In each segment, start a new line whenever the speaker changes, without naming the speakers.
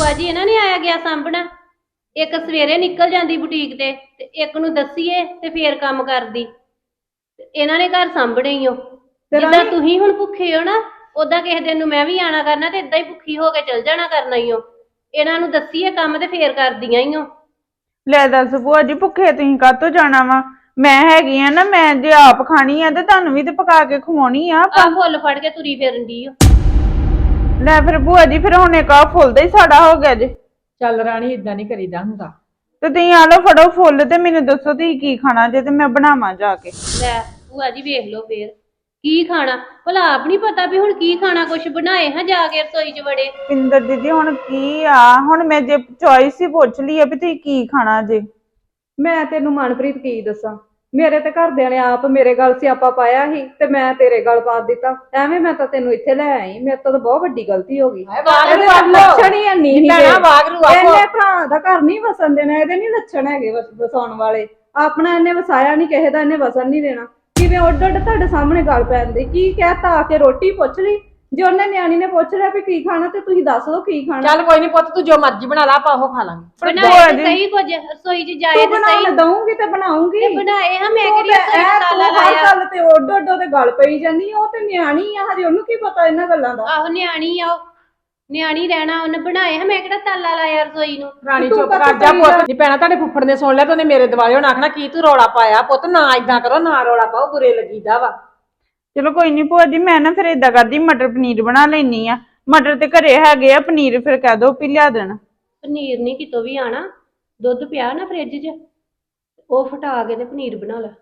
ਭੂਆ ਜੀ ਇਹਨਾਂ ਨੇ ਆਇਆ ਗਿਆ ਸਾਂਭਣਾ। ਇੱਕ ਸਵੇਰੇ ਨਿਕਲ ਜਾਂਦੀ ਬੁਟੀਕ ਤੇ ਇੱਕ ਨੂੰ ਦੱਸੀਏ ਤੇ ਫੇਰ ਕੰਮ ਕਰਦੀ। ਇਹਨਾਂ ਨੇ ਘਰ ਸਾਂਭਣੇ ਹੀ ਹੋ। ਜਿੱਦਾਂ ਤੁਸੀਂ ਹੁਣ ਭੁੱਖੇ ਹੋ ਨਾ, ਉਦਾਂ ਕਿਸੇ ਦਿਨ ਨੂੰ ਮੈਂ ਵੀ ਆਣਾ ਕਰਨਾ ਤੇ ਏਦਾਂ ਹੀ ਭੁੱਖੀ ਹੋ ਕੇ ਚਲ ਜਾਣਾ ਕਰਨਾ ਹੀ ਹੋ। ਇਹਨਾਂ ਨੂੰ ਦੱਸੀਏ ਕੰਮ ਤੇ ਫੇਰ ਕਰਦੀਆਂ ਹੀ ਹੋ।
ਲੈ ਦੱਸ ਭੂਆ ਜੀ, ਭੁੱਖੇ ਤੁਸੀਂ ਕਾਹਤੋਂ ਜਾਣਾ ਵਾ? ਮੈਂ ਹੈਗੀ ਆ ਨਾ, ਮੈਂ ਜੇ ਆਪ ਖਾਣੀ ਆ ਤੇ ਤੁਹਾਨੂੰ ਵੀ ਤੇ ਪਕਾ ਕੇ ਖਵਾਉਣੀ ਆ।
ਆ ਫੁੱਲ ਫੜ ਕੇ ਤੁਰੀ ਫਿਰਨ ਦੀ ਹੋ।
ਲੈ ਫਿਰ ਭੂਆ ਜੀ, ਫਿਰ ਹੁਣ ਇੱਕ ਆ ਫੁੱਲ ਦਾ ਹੀ ਸਾੜਾ ਹੋ ਗਿਆ ਜੇ।
ਚੱਲ ਰਾਣੀ, ਇਦਾਂ ਨਹੀਂ ਕਰੀਦਾ ਹੁੰਦਾ।
ਤੇ ਤੁਸੀਂ ਆ ਲਓ, ਫੜੋ ਫੁੱਲ ਤੇ ਮੈਨੂੰ ਦੱਸੋ ਤੁਸੀਂ ਕੀ ਖਾਣਾ ਜੇ ਤੇ ਮੈਂ ਬਣਾਵਾਂ ਜਾ ਕੇ।
ਲੈ ਭੂਆ ਜੀ ਵੇਖ ਲਓ ਫੇਰ ਕੀ ਖਾਣਾ, ਭਲਾ ਆਪ ਨੀ ਪਤਾ ਵੀ ਹੁਣ ਕੀ ਖਾਣਾ, ਕੁਛ ਬਣਾਏ ਹਾਂ ਜਾ ਕੇ ਰਸੋਈ 'ਚ ਵੜੇ।
ਪਿੰਦਰ ਦੀਦੀ ਹੁਣ ਕੀ ਆ, ਹੁਣ ਮੈਂ ਜੇ ਚੋਇਸ ਹੀ ਪੁੱਛ ਲਈ ਆ ਵੀ ਤੁਸੀਂ ਕੀ ਖਾਣਾ ਜੇ।
ਮੈਂ ਤੈਨੂੰ ਮਨਪ੍ਰੀਤ ਕੀ ਦੱਸਾਂ, ਮੇਰੇ ਤੇ ਘਰਦਿਆਂ ਨੇ ਆਪ ਮੇਰੇ ਗੱਲ ਸਿਆਪਾ ਪਾਇਆ ਸੀ ਤੇ ਮੈਂ ਤੇਰੇ ਗੱਲ ਪਾ ਦਿੱਤਾ। ਐਵੇਂ ਮੈਂ ਤਾਂ ਤੈਨੂੰ ਇੱਥੇ ਲੈ ਆਈ, ਮੇਰੇ ਤੋਂ ਤਾਂ ਬਹੁਤ ਵੱਡੀ ਗਲਤੀ ਹੋ ਗਈ। ਲੱਛਣ ਹੀ ਨਹੀਂ ਇਹਨੇ ਭਰਾ ਦਾ ਘਰ ਨਹੀਂ ਵਸਣ ਦੇਣਾ, ਇਹਦੇ ਨਹੀਂ ਲੱਛਣ ਹੈਗੇ ਵਸਾਉਣ ਵਾਲੇ। ਆਪਣਾ ਇਹਨੇ ਵਸਾਇਆ ਨਹੀਂ, ਕਿਸੇ ਦਾ ਇਹਨੇ ਵਸਣ ਨਹੀਂ ਦੇਣਾ। ਕਿਵੇਂ ਉੱਡ ਉੱਡ ਤੁਹਾਡੇ ਸਾਹਮਣੇ ਗੱਲ ਪੈਣ ਦੀ, ਕੀ ਕਹਿਤਾ ਆ ਕੇ ਰੋਟੀ ਪੁੱਛ ਲਈ। ਜੇ ਉਹਨੇ ਨਿਆਣੀ ਨੇ ਪੁੱਛ ਲਿਆ ਵੀ ਕੀ ਖਾਣਾ ਤੇ ਤੁਸੀਂ ਦੱਸ ਦੋ ਕੀ ਖਾਣਾ।
ਚੱਲ ਕੋਈ ਨਹੀਂ ਪੁੱਤ, ਤੂੰ ਜੋ ਮਰਜ਼ੀ ਬਣਾ ਲਾ, ਆਪਾਂ ਉਹ ਖਾ ਲਾਂਗੇ।
ਬਣਾਏ ਤੇ ਸਹੀ ਕੁਝ, ਰਸੋਈ 'ਚ ਜਾਏ ਤੇ ਸਹੀ।
ਦਊਂਗੀ ਤੇ ਬਣਾਉਂਗੀ।
ਬਣਾਏ ਹਾਂ ਮੈਂ ਕਿਹੜੀ ਰਸੋਈ 'ਚ ਤਾਲਾ ਲਾਇਆ।
ਗੱਲ ਤੇ ਉੱਡ ਉੱਡ ਉਹਦੇ ਗੱਲ ਪਈ ਜਾਂਦੀ, ਉਹ ਤੇ ਨਿਆਣੀ ਆ ਹਜੇ, ਉਹਨੂੰ ਕੀ ਪਤਾ ਇਹਨਾਂ ਗੱਲਾਂ ਦਾ।
ਆਹੋ ਨਿਆਣੀ ਆ, ਨਿਆਣੀ ਰਹਿਣਾ। ਉਹਨੇ ਬਣਾਏ ਹਾਂ, ਮੈਂ ਕਿਹੜਾ ਤਾਲਾ ਲਾਇਆ ਰਸੋਈ ਨੂੰ।
ਰਾਣੀ ਚੁੱਪ ਕਰ ਜਾ ਪੁੱਤ। ਨਹੀਂ ਪੈਣਾ, ਤੁਹਾਡੇ ਫੁੱਫੜ ਨੇ ਸੁਣ ਲਿਆ ਤੇ ਉਹਨੇ ਮੇਰੇ ਦਿਵਾਲੇ ਹੁਣ ਆਖਣਾ ਕੀ ਤੂੰ ਰੌਲਾ ਪਾਇਆ। ਪੁੱਤ ਨਾ ਇਦਾਂ ਕਰੋ, ਨਾ ਰੌਲਾ ਪਾਓ, ਬੁਰੇ ਲੱਗੀਦਾ ਵਾ।
ਚਲੋ ਕੋਈ ਨਹੀਂ ਭੂਆ ਜੀ, ਮੈਂ ਨਾ ਫਿਰ ਏਦਾਂ ਕਰਦੀ, ਮਟਰ ਪਨੀਰ ਬਣਾ ਲੈਣੀ ਆ। ਮਟਰ ਤੇ ਘਰੇ ਹੈਗੇ ਆ, ਪਨੀਰ ਫਿਰ ਕਹਿ ਦੋ ਵੀ ਲਿਆ ਦੇਣ।
ਪਨੀਰ ਨਹੀਂ ਕਿਤੋਂ ਵੀ ਆਣਾ, ਦੁੱਧ ਪਿਆ ਨਾ ਫ੍ਰਿਜ 'ਚ, ਉਹ ਫਟਾ ਕੇ ਤੇ ਪਨੀਰ ਬਣਾ ਲੈ।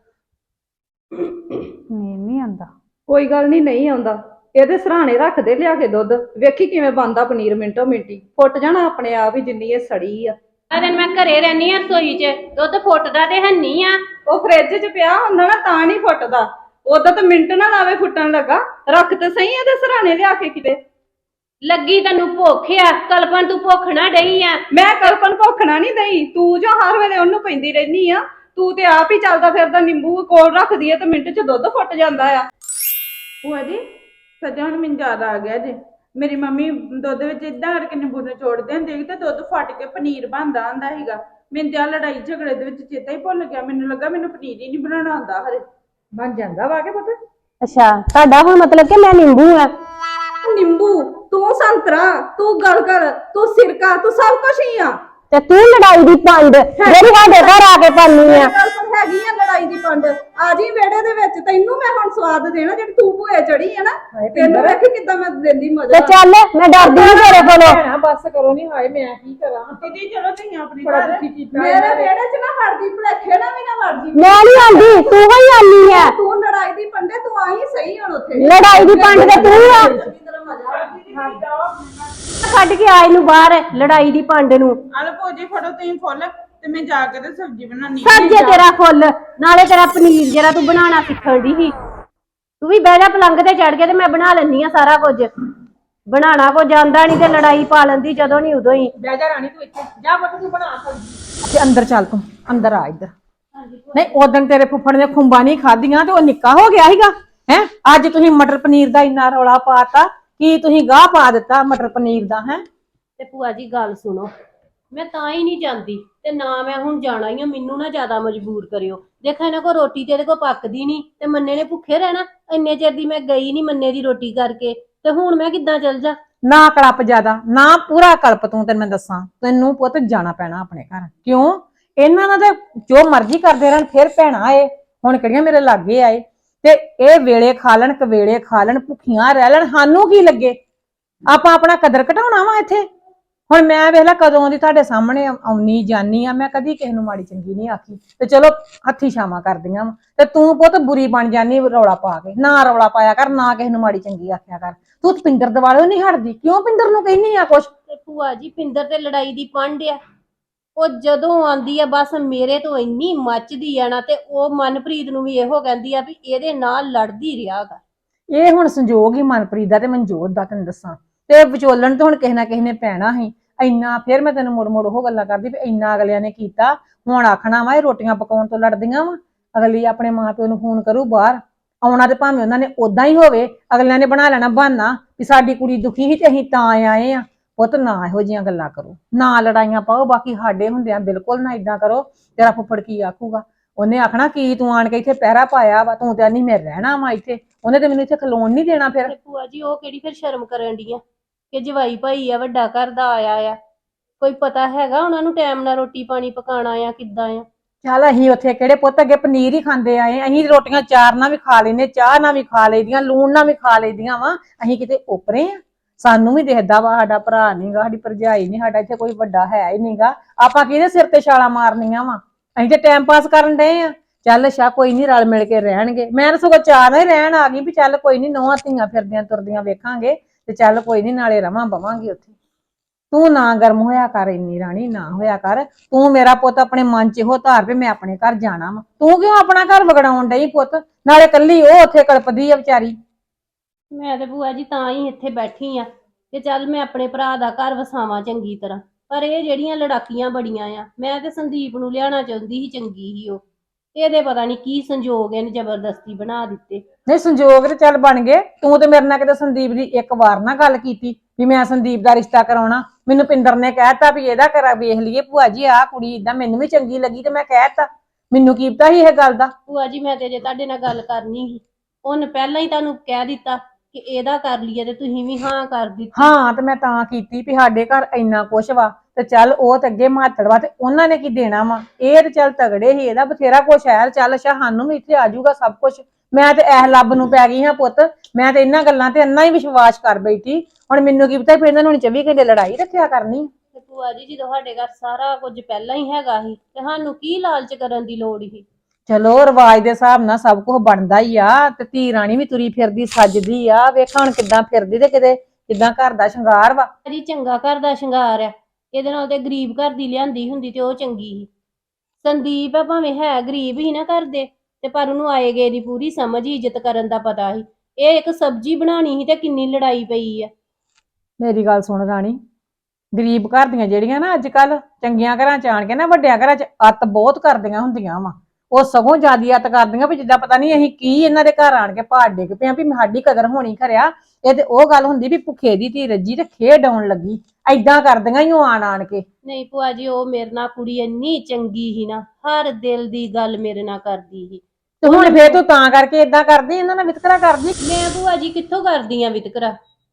ਪਨੀਰ ਨਹੀਂ ਆਂਦਾ?
ਕੋਈ ਗੱਲ ਨਹੀਂ, ਨਹੀਂ ਆਉਂਦਾ। ਇਹਦੇ ਸਰਾਣੇ ਰੱਖ ਦੇ ਲਿਆ ਕੇ ਦੁੱਧ, ਵੇਖੀ ਕਿਵੇਂ ਬਣਦਾ ਪਨੀਰ, ਮਿੰਟੋ ਮਿੰਟੀ ਫੁੱਟ ਜਾਣਾ ਆਪਣੇ ਆਪ ਹੀ, ਜਿੰਨੀ ਇਹ ਸੜੀ ਆ।
ਅਰੇ ਮੈਂ ਘਰੇ ਰਹਿਨੀ ਆ ਰਸੋਈ 'ਚ, ਦੁੱਧ ਫੁੱਟਦਾ ਤੇ ਹੈਨੀ ਆ।
ਉਹ ਫ੍ਰਿਜ 'ਚ ਪਿਆ ਹੁੰਦਾ ਨਾ ਤਾਂ ਨਹੀਂ ਫੁੱਟਦਾ, ਉਦੋਂ ਤਾਂ ਮਿੰਟ ਨਾ ਲਾਵੇ ਫੁੱਟਣ ਲੱਗਾ। ਰੱਖ ਤੇ ਸਹੀ ਇਹਦੇ ਸਰਾਣੇ ਲਿਆ ਕੇ ਕਿਤੇ।
ਲੱਗੀ ਤੈਨੂੰ ਭੁੱਖ ਆ, ਕਲਪਨ ਤੂੰ ਭੁੱਖ ਨਾ ਡਈ ਆ।
ਮੈਂ ਕਲਪਨ ਭੁੱਖਣਾ ਨਹੀਂ ਦਈ, ਤੂੰ ਜੋ ਹਰ ਵੇਲੇ ਉਹਨੂੰ ਪੈਂਦੀ ਰਹਿਨੀ ਆ। ਤੂੰ ਤੇ ਆਪ ਹੀ ਚੱਲਦਾ ਫਿਰਦਾ ਨਿੰਬੂ ਕੋਲ ਰੱਖਦੀ ਐ ਤੇ ਮਿੰਟ 'ਚ ਦੁੱਧ ਫੁੱਟ ਜਾਂਦਾ ਆ।
ਭੂਆ ਜੀ ਸੱਚਾ ਹੁਣ ਮੈਨੂੰ ਯਾਦ ਆ ਗਿਆ ਜੇ, ਮੇਰੀ ਮੰਮੀ ਦੁੱਧ ਵਿੱਚ ਇਦਾਂ ਕਰਕੇ ਨਿੰਬੂ ਨਿਚੋੜਦੇ ਹੁੰਦੇ ਸੀ ਤੇ ਦੁੱਧ ਫਟ ਕੇ ਪਨੀਰ ਬਣਦਾ ਹੁੰਦਾ ਸੀਗਾ। ਮੈਨੂੰ ਤਾਂ ਲੜਾਈ ਝਗੜੇ ਦੇ ਵਿੱਚ ਚੇਤਾ ਹੀ ਭੁੱਲ ਗਿਆ, ਮੈਨੂੰ ਲੱਗਾ ਮੈਨੂੰ ਪਨੀਰ ਹੀ ਨਹੀਂ ਬਣਾਉਣਾ ਆਉਂਦਾ। ਹਰੇ
ਬਣ ਜਾਂਦਾ ਵਾ ਕੇ ਪਤਾ।
ਅੱਛਾ, ਤੁਹਾਡਾ ਹੁਣ ਮਤਲਬ ਕਿ ਮੈਂ ਨਿੰਬੂ ਆ।
ਨਿੰਬੂ, ਤੂੰ ਸੰਤਰਾ, ਤੂੰ ਗਲਗਲ, ਤੂੰ ਸਿਰਕਾ, ਤੂੰ ਸਭ ਕੁਝ ਹੀ ਆ।
ਤੇ ਤੂੰ ਲੜਾਈ ਦੀ ਪੰਡ ਜਿਹੜੀ ਸਾਡੇ ਘਰ ਆ ਕੇ ਪਾਨੀ ਆ।
ਹੈਗੀ ਆ ਲੜਾਈ ਦੀ ਪੰਡ, ਆ ਜੀ ਵਿਹੜੇ ਦੇ ਵਿੱਚ। ਤੈਨੂੰ ਮੈਂ ਹੁਣ ਸਵਾਦ ਦੇਣਾ ਜਿਹੜੀ ਤੂੰ ਭੂਏ ਚੜੀ ਹੈ ਨਾ, ਤੈਨੂੰ ਵੇਖੀ ਕਿੱਦਾਂ ਮੈਂ ਦਿੰਦੀ ਮਜ਼ਾ।
ਤੇ ਚੱਲ ਮੈਂ ਡਰਦੀ ਨਹੀਂ ਤੇਰੇ ਕੋਲੋਂ।
ਬਸ ਕਰੋ, ਨਹੀਂ ਹਾਏ ਮੈਂ ਕੀ ਕਰਾਂ।
ਦੀਦੀ ਚਲੋ ਤੁਸੀਂ ਆਪਣੀ
ਬੜਾ
ਘਰ
ਦੁਖੀ ਕੀਤਾ
ਮੇਰੇ ਵਿਹੜੇ 'ਚ ਨਾ ਵੜਦੀ, ਭੁਲੇਖੇ ਨਾ ਵੀ ਨਾ ਵੜਦੀ।
ਮੈਂ ਨਹੀਂ ਆਂਦੀ, ਤੂੰ ਹੀ ਆਨੀ ਆ।
ਤੂੰ ਲੜਾਈ ਦੀ ਪੰਡੇ, ਤੂੰ ਆਈ ਸਹੀ ਹੁਣ ਉੱਥੇ।
ਲੜਾਈ ਦੀ ਪੰਡ ਤੇ ਤੂੰ ਆ। ਕੱਢ ਕੇ ਆਏ ਨੂੰ ਬਾਹਰ ਲੜਾਈ ਦੀ ਪੰਡ ਨੂੰ।
ਆਲੋ ਭੂਆ ਜੀ ਫੜੋ ਤੁਸੀਂ ਫੁੱਲ ਤੇ ਮੈਂ ਜਾ ਕੇ ਤੇ ਸਬਜ਼ੀ ਬਣਾਉਣੀ।
ਸਬਜ਼ੀ ਤੇਰਾ ਫੁੱਲ, ਨਾਲੇ ਤੇਰਾ ਪਨੀਰ ਜਿਹੜਾ ਤੂੰ ਬਣਾਉਣਾ ਸਿੱਖਣ ਦੀ ਸੀ। ਤੂੰ ਵੀ ਬਹਿ ਜਾ ਪਲੰਗ ਤੇ ਚੜ ਕੇ ਤੇ ਮੈਂ ਬਣਾ ਲੈਣੀ ਆ ਸਾਰਾ ਕੁਝ। ਬਣਾਣਾ ਕੋ ਜਾਂਦਾ ਨਹੀਂ ਤੇ ਲੜਾਈ ਪਾ ਲੈਂਦੀ ਜਦੋਂ ਨਹੀਂ ਉਦੋਂ ਹੀ।
ਬਹਿ ਜਾ ਰਾਣੀ, ਤੂੰ ਇੱਥੇ ਜਾ ਪੁੱਤ, ਤੂੰ ਬਣਾ ਸਬਜ਼ੀ ਤੇ ਅੰਦਰ ਚੱਲ, ਤੂੰ ਅੰਦਰ ਆ ਇੱਧਰ। ਨਹੀਂ ਉਦੋਂ ਤੇਰੇ ਫੁੱਫੜ ਨੇ ਖੁੰਬਾਂ ਨਹੀਂ ਖਾਧੀਆਂ ਤੇ ਉਹ ਨਿੱਕਾ ਹੋ ਗਿਆ ਸੀਗਾ ਹੈ। ਅੱਜ ਤੁਸੀਂ ਮਟਰ ਪਨੀਰ ਦਾ ਇੰਨਾ ਰੌਲਾ ਪਾਤਾ, ਕੀ ਤੁਸੀਂ ਗਾਹ ਪਾ ਦਿੱਤਾ ਮਟਰ ਪਨੀਰ ਦਾ ਹੈ।
ਤੇ ਭੂਆ ਜੀ ਗੱਲ ਸੁਣੋ, ਮੈਂ ਤਾਂ ਹੀ ਨਹੀਂ ਜਾਂਦੀ ਤੇ ਨਾ ਮੈਂ ਹੁਣ ਜਾਣਾ ਹੀ ਆ। ਮੈਨੂੰ ਨਾ ਜ਼ਿਆਦਾ ਮਜਬੂਰ ਕਰਿਓ। ਦੇਖਾਂ ਇਹਨਾਂ ਕੋ ਰੋਟੀ ਤੇ ਇਹਦੇ ਕੋ ਪੱਕਦੀ ਨਹੀਂ ਤੇ ਮੰਨੇ ਨੇ ਭੁੱਖੇ ਰਹਿਣਾ। ਇੰਨੇ ਚਿਰ ਦੀ ਮੈਂ ਗਈ ਨਹੀਂ ਮੰਨੇ ਦੀ ਰੋਟੀ ਕਰਕੇ, ਤੇ ਹੁਣ ਮੈਂ ਕਿੱਦਾਂ ਚੱਲ ਜਾ।
ਨਾ ਕਲਪ ਜ਼ਿਆਦਾ, ਨਾ ਪੂਰਾ ਕਲਪ ਤੂੰ। ਤੈਨੂੰ ਮੈਂ ਦੱਸਾਂ, ਤੈਨੂੰ ਪੁੱਤ ਜਾਣਾ ਪੈਣਾ ਆਪਣੇ ਘਰ। ਕਿਉਂ? ਇਹਨਾਂ ਨਾਲ ਤੇ ਜੋ ਮਰਜ਼ੀ ਕਰਦੇ ਰਹਿਣ, ਫਿਰ ਭੈਣਾਂ ਆਏ ਹੁਣ ਕਿਹੜੀਆਂ ਮੇਰੇ ਲਾਗੇ ਆਏ ਤੇ ਇਹ ਵੇਲੇ ਖਾ ਲੈਣ, ਕਵੇਲੇ ਖਾ ਲੈਣ, ਭੁੱਖੀਆਂ ਰਹਿ ਲੈਣ, ਸਾਨੂੰ ਕੀ ਲੱਗੇ? ਆਪਾਂ ਆਪਣਾ ਕਦਰ ਘਟਾਉਣਾ ਵਾ ਇੱਥੇ। ਹੁਣ ਮੈਂ ਵੇਖ ਲਾ ਕਦੋਂ ਦੀ ਤੁਹਾਡੇ ਸਾਹਮਣੇ ਆਉਣੀ ਜਾਨੀ ਆ, ਮੈਂ ਕਦੀ ਕਿਸੇ ਨੂੰ ਮਾੜੀ ਚੰਗੀ ਨਹੀਂ ਆਖੀ ਤੇ ਚਲੋ ਹੱਥੀ ਛਾਵਾਂ ਕਰਦੀਆਂ ਵਾ। ਤੇ ਤੂੰ ਪੁੱਤ ਬੁਰੀ ਬਣ ਜਾਨੀ ਰੌਲਾ ਪਾ ਕੇ। ਨਾ ਰੌਲਾ ਪਾਇਆ ਕਰ, ਨਾ ਕਿਸੇ ਨੂੰ ਮਾੜੀ ਚੰਗੀ ਆਖਿਆ ਕਰ। ਤੂੰ ਪਿੰਦਰ ਦਿਵਾਲੇ ਨਹੀਂ ਹਟਦੀ, ਕਿਉਂ ਪਿੰਦਰ ਨੂੰ ਕਹਿੰਦੀ ਆ ਕੁਛ?
ਤੇ ਭੂਆ ਜੀ ਪਿੰਦਰ ਤੇ ਲੜਾਈ ਦੀ ਪੰਡ ਆ। ਉਹ ਜਦੋਂ ਆਂਦੀ ਆ ਬਸ ਮੇਰੇ ਤੋਂ ਇੰਨੀ ਮੱਚਦੀ ਆ ਨਾ, ਤੇ ਉਹ ਮਨਪ੍ਰੀਤ ਨੂੰ ਵੀ ਇਹੋ ਕਹਿੰਦੀ ਆ ਵੀ ਇਹਦੇ ਨਾਲ ਲੜਦੀ ਰਿਹਾ ਗਾ।
ਇਹ ਹੁਣ ਸੰਜੋਗ ਹੀ ਮਨਪ੍ਰੀਤ ਦਾ ਤੇ ਮਨਜੋਤ ਦਾ, ਤੈਨੂੰ ਦੱਸਾਂ। ਤੇ ਵਿਚੋਲਣ ਤੇ ਹੁਣ ਕਿਸੇ ਨਾ ਕਿਸੇ ਨੇ ਪੈਣਾ ਸੀ। ਇੰਨਾ ਫਿਰ ਮੈਂ ਤੈਨੂੰ ਮੁੜ ਮੁੜ ਉਹ ਗੱਲਾਂ ਕਰਦੀ ਵੀ ਇੰਨਾ ਅਗਲਿਆਂ ਨੇ ਕੀਤਾ, ਹੁਣ ਆਖਣਾ ਵਾ ਇਹ ਰੋਟੀਆਂ ਪਕਾਉਣ ਤੋਂ ਲੜਦੀਆਂ ਵਾ। ਅਗਲੀ ਆਪਣੇ ਮਾਂ ਪਿਓ ਨੂੰ ਫੋਨ ਕਰੂ ਬਾਹਰ ਆਉਣਾ, ਤੇ ਭਾਵੇਂ ਉਹਨਾਂ ਨੇ ਉਦਾਂ ਹੀ ਹੋਵੇ, ਅਗਲਿਆਂ ਨੇ ਬਣਾ ਲੈਣਾ ਬਹਾਨਾ ਵੀ ਸਾਡੀ ਕੁੜੀ ਦੁਖੀ ਸੀ ਤੇ ਅਸੀਂ ਤਾਂ ਆਏ ਆ। ਪੁੱਤ ਨਾ ਇਹੋ ਜਿਹੀਆਂ ਗੱਲਾਂ ਕਰੋ, ਨਾ ਲੜਾਈਆਂ ਪਾਓ, ਬਾਕੀ ਸਾਡੇ ਹੁੰਦਿਆਂ ਬਿਲਕੁਲ ਨਾ ਇਦਾਂ ਕਰੋ। ਤੇਰਾ ਫੁੱਫੜ ਕੀ ਆਖੂਗਾ? ਉਹਨੇ ਆਖਣਾ ਕੀ ਤੂੰ ਆਣ ਕੇ ਇੱਥੇ ਪਹਿਰਾ ਪਾਇਆ ਵਾ, ਤੂੰ ਤੇ ਨਹੀਂ ਮੈਂ ਰਹਿਣਾ ਵਾ ਇੱਥੇ, ਉਹਨੇ ਤੇ ਮੈਨੂੰ ਇੱਥੇ ਖਲੋਣ ਨਹੀਂ ਦੇਣਾ ਫਿਰ।
ਤੇ ਭੂਆ ਜੀ ਉਹ ਕਿਹੜੀ ਫਿਰ ਸ਼ਰਮ ਕਰਨ ਦੀ ਆ ਕਿ ਜਵਾਈ ਭਾਈ ਆ, ਵੱਡਾ ਘਰ ਦਾ ਆਇਆ ਆ, ਕੋਈ ਪਤਾ ਹੈਗਾ ਉਹਨਾਂ ਨੂੰ ਟਾਈਮ ਨਾਲ ਰੋਟੀ ਪਾਣੀ ਪਕਾਣਾ ਆ ਕਿੱਦਾਂ ਆ?
ਚੱਲ ਅਸੀਂ ਉੱਥੇ ਕਿਹੜੇ ਪੁੱਤ ਅੱਗੇ ਪਨੀਰ ਹੀ ਖਾਂਦੇ ਆਏ, ਅਸੀਂ ਰੋਟੀਆਂ ਚਾਰ ਨਾਲ ਵੀ ਖਾ ਲੈਨੇ, ਚਾਹ ਨਾਲ ਵੀ ਖਾ ਲਈਦੀਆਂ, ਲੂਣ ਨਾਲ ਵੀ ਖਾ ਲਈਦੀਆਂ ਵਾ। ਅਸੀਂ ਕਿਤੇ ਓਪਰੇ ਆ? ਸਾਨੂੰ ਵੀ ਦਿਖਦਾ ਵਾ ਸਾਡਾ ਭਰਾ ਨਹੀਂਗਾ, ਸਾਡੀ ਭਰਜਾਈ ਨਹੀਂ, ਸਾਡਾ ਇੱਥੇ ਕੋਈ ਵੱਡਾ ਹੈ ਹੀ ਨਹੀਂਗਾ, ਆਪਾਂ ਕਿਹਦੇ ਸਿਰ ਤੇ ਛਾਲਾਂ ਮਾਰਨੀਆਂ ਵਾ? ਅਸੀਂ ਤੇ ਟਾਈਮ ਪਾਸ ਕਰਨ ਡਏ ਆ। ਚੱਲ ਅੱਛਾ ਕੋਈ ਨਹੀਂ, ਰਲ ਮਿਲ ਕੇ ਰਹਿਣਗੇ। ਮੈਂ ਤਾਂ ਸਗੋਂ ਚਾਹ ਨਾਲ ਹੀ ਰਹਿਣ ਆ ਗਈ ਵੀ ਚੱਲ ਕੋਈ ਨਹੀਂ, ਨੌਹਾਂ ਧੀਆਂ ਫਿਰਦੀਆਂ ਤੁਰਦੀਆਂ ਵੇਖਾਂਗੇ ਤੇ ਚੱਲ ਕੋਈ ਨਹੀਂ, ਨਾਲੇ ਰਵਾਂ ਬਵਾਂਗੇ ਉੱਥੇ। ਤੂੰ ਨਾ ਗਰਮ ਹੋਇਆ ਕਰ ਇੰਨੀ ਰਾਣੀ, ਨਾ ਹੋਇਆ ਕਰ। ਤੂੰ ਮੇਰਾ ਪੁੱਤ ਆਪਣੇ ਮਨ 'ਚ ਇਹੋ ਧਾਰ ਵੀ ਮੈਂ ਆਪਣੇ ਘਰ ਜਾਣਾ ਵਾ। ਤੂੰ ਕਿਉਂ ਆਪਣਾ ਘਰ ਵਿਗੜਾਉਣ ਡਈ ਪੁੱਤ? ਨਾਲੇ ਕੱਲੀ ਉਹ ਉੱਥੇ ਕਲਪਦੀ ਆ ਵਿਚਾਰੀ।
ਮੈਂ ਤੇ ਭੂਆ ਜੀ ਤਾਂ ਹੀ ਇੱਥੇ ਬੈਠੀ ਆ ਕਿ ਚੱਲ ਮੈਂ ਆਪਣੇ ਭਰਾ ਦਾ ਘਰ ਵਸਾਵਾਂ ਚੰਗੀ ਤਰ੍ਹਾਂ, ਪਰ ਇਹ ਜਿਹੜੀਆਂ ਲੜਾਕੀਆਂ ਬੜੀਆਂ ਆ। ਮੈਂ ਤੇ ਸੰਦੀਪ ਨੂੰ ਲਿਆਉਣਾ ਚਾਹੁੰਦੀ ਸੀ, ਚੰਗੀ ਸੀ ਉਹ, ਇਹਦੇ ਪਤਾ ਨਹੀਂ ਕੀ ਸੰਜੋਗ ਇਹਨੇ ਜ਼ਬਰਦਸਤੀ ਬਣਾ ਦਿੱਤੇ।
ਨਹੀਂ ਸੰਜੋਗ ਤੇ ਚੱਲ ਬਣ ਗਏ। ਤੂੰ ਤੇ ਮੇਰੇ ਨਾਲ ਕਿਤੇ ਸੰਦੀਪ ਦੀ ਇੱਕ ਵਾਰ ਨਾ ਗੱਲ ਕੀਤੀ ਵੀ ਮੈਂ ਸੰਦੀਪ ਦਾ ਰਿਸ਼ਤਾ ਕਰਾਉਣਾ? ਮੈਨੂੰ ਪਿੰਦਰ ਨੇ ਕਹਿਤਾ ਵੀ ਇਹਦਾ ਕਰਾ ਵੇਖ ਲਈਏ ਭੂਆ ਜੀ, ਆਹ ਕੁੜੀ ਇਦਾਂ ਮੈਨੂੰ ਵੀ ਚੰਗੀ ਲੱਗੀ ਤੇ ਮੈਂ ਕਹਿਤਾ। ਮੈਨੂੰ ਕੀ ਪਤਾ ਸੀ ਇਹ ਗੱਲ ਦਾ?
ਭੂਆ ਜੀ ਮੈਂ ਤੇ ਜੇ ਤੁਹਾਡੇ ਨਾਲ ਗੱਲ ਕਰਨੀ ਸੀ, ਉਹਨੇ ਪਹਿਲਾਂ ਹੀ ਤੁਹਾਨੂੰ ਕਹਿ ਦਿੱਤਾ ਕਿ ਇਹਦਾ ਕਰ ਲਈਏ ਤੇ ਤੁਸੀਂ ਵੀ ਹਾਂ ਕਰ ਦਿੱਤੀ।
ਹਾਂ ਤੇ ਮੈਂ ਤਾਂ ਕੀਤੀ ਵੀ ਸਾਡੇ ਘਰ ਇੰਨਾ ਕੁਛ ਵਾ ਤੇ ਚੱਲ ਉਹ ਤੇ ਅੱਗੇ ਮਾਤੜ ਵਾ ਤੇ ਉਹਨਾਂ ਨੇ ਕੀ ਦੇਣਾ ਵਾ। ਇਹ ਤੇ ਚੱਲ ਤਗੜੇ ਹੀ, ਇਹਦਾ ਬਥੇਰਾ ਕੁਛ ਹੈ। ਚੱਲ ਅੱਛਾ ਸਾਨੂੰ ਵੀ ਇੱਥੇ ਆ ਜਾਊਗਾ ਸਭ ਕੁਛ। ਮੈਂ ਤੇ ਇਹ ਲੱਭ ਨੂੰ ਪੈ ਗਈ ਹਾਂ ਪੁੱਤ। ਮੈਂ ਤੇ ਇਹਨਾਂ ਗੱਲਾਂ ਤੇ ਇੰਨਾ ਹੀ ਵਿਸ਼ਵਾਸ ਕਰ ਬੈਠੀ। ਹੁਣ ਮੈਨੂੰ ਕੀ ਪਤਾ ਫਿਰ ਇਹਨਾਂ ਨੂੰ 24 ਘੰਟੇ ਲੜਾਈ ਰੱਖਿਆ ਕਰਨੀ।
ਤੇ ਭੂਆ ਜੀ ਜਦੋਂ ਸਾਡੇ ਘਰ ਸਾਰਾ ਕੁਝ ਪਹਿਲਾਂ ਹੀ ਹੈਗਾ ਸੀ ਤੇ ਸਾਨੂੰ ਕੀ ਲਾਲਚ ਕਰਨ ਦੀ ਲੋੜ ਸੀ?
ਚਲੋ ਰਿਵਾਜ ਦੇ ਹਿਸਾਬ ਨਾਲ ਸਭ ਕੁਝ ਬਣਦਾ ਹੀ ਆ। ਤੇ ਧੀ ਰਾਣੀ ਵੀ ਤੁਰੀ ਫਿਰਦੀ ਸੱਜਦੀ ਆ, ਵੇਖ ਹੁਣ ਕਿੱਦਾਂ ਫਿਰਦੀ ਤੇ ਕਿਤੇ ਕਿੱਦਾਂ ਘਰ ਦਾ ਸ਼ਿੰਗਾਰ ਵਾ।
ਜੀ ਚੰਗਾ ਘਰ ਦਾ ਸ਼ਿੰਗਾਰ ਆ, ਇਹਦੇ ਨਾਲ ਤੇ ਗਰੀਬ ਘਰ ਦੀ ਲਿਆਂਦੀ ਹੁੰਦੀ ਤੇ ਉਹ ਚੰਗੀ ਸੀ। ਸੰਦੀਪ ਆ ਭਾਵੇਂ ਹੈ ਗਰੀਬ ਹੀ ਨਾ ਘਰ ਦੇ, ਤੇ ਪਰ ਉਹਨੂੰ ਆਏ ਗਏ ਦੀ ਪੂਰੀ ਸਮਝ, ਇੱਜ਼ਤ ਕਰਨ ਦਾ ਪਤਾ ਸੀ। ਇਹ ਇੱਕ ਸਬਜ਼ੀ ਬਣਾਣੀ ਸੀ ਤੇ ਕਿੰਨੀ ਲੜਾਈ ਪਈ ਆ।
ਮੇਰੀ ਗੱਲ ਸੁਣ ਰਾਣੀ, ਗਰੀਬ ਘਰ ਦੀਆਂ ਜਿਹੜੀਆਂ ਨਾ ਅੱਜ ਕੱਲ ਚੰਗੀਆਂ ਘਰਾਂ ਚ ਆਣ ਕੇ ਨਾ ਵੱਡਿਆਂ ਘਰਾਂ ਚ ਅੱਤ ਬਹੁਤ ਕਰਦੀਆਂ ਹੁੰਦੀਆਂ ਵਾ। ਉਹ ਸਗੋਂ ਜ਼ਿਆਦੀ ਅੱਤ ਕਰਦੀਆਂ ਵੀ ਜਿੱਦਾਂ ਪਤਾ ਨਹੀਂ ਅਸੀਂ ਕੀ ਇਹਨਾਂ ਦੇ ਘਰ ਆਣ ਕੇ ਪਹਾੜ ਡਿੱਗ ਪਿਆ ਵੀ ਸਾਡੀ ਕਦਰ ਹੋਣੀ ਖਰਿਆ। ਇਹ ਤੇ ਉਹ ਗੱਲ ਹੁੰਦੀ ਵੀ ਭੁੱਖੇ ਦੀ ਧੀ ਰੱਜੀ ਤੇ ਖੇਡ ਆਉਣ ਲੱਗੀ। ਐਦਾਂ ਕਰਦੀਆਂ ਹੀ ਉਹ ਆਣ ਕੇ।
ਨਹੀਂ ਭੂਆ ਜੀ ਉਹ ਮੇਰੇ ਨਾਲ ਕੁੜੀ ਇੰਨੀ ਚੰਗੀ ਸੀ ਨਾ, ਹਰ ਦਿਲ ਦੀ ਗੱਲ ਮੇਰੇ ਨਾਲ ਕਰਦੀ ਸੀ।
ਤੇ ਹੁਣ ਫੇਰ ਤੂੰ ਤਾਂ ਕਰਕੇ ਏਦਾਂ ਕਰਦੀ, ਇਹਨਾਂ ਨਾਲ ਵਿਤਕਰਾ ਕਰਦੀ।
ਮੈਂ ਭੂਆ ਜੀ ਕਿੱਥੋਂ ਕਰਦੀ ਆ ਵਿਤਕਰਾ?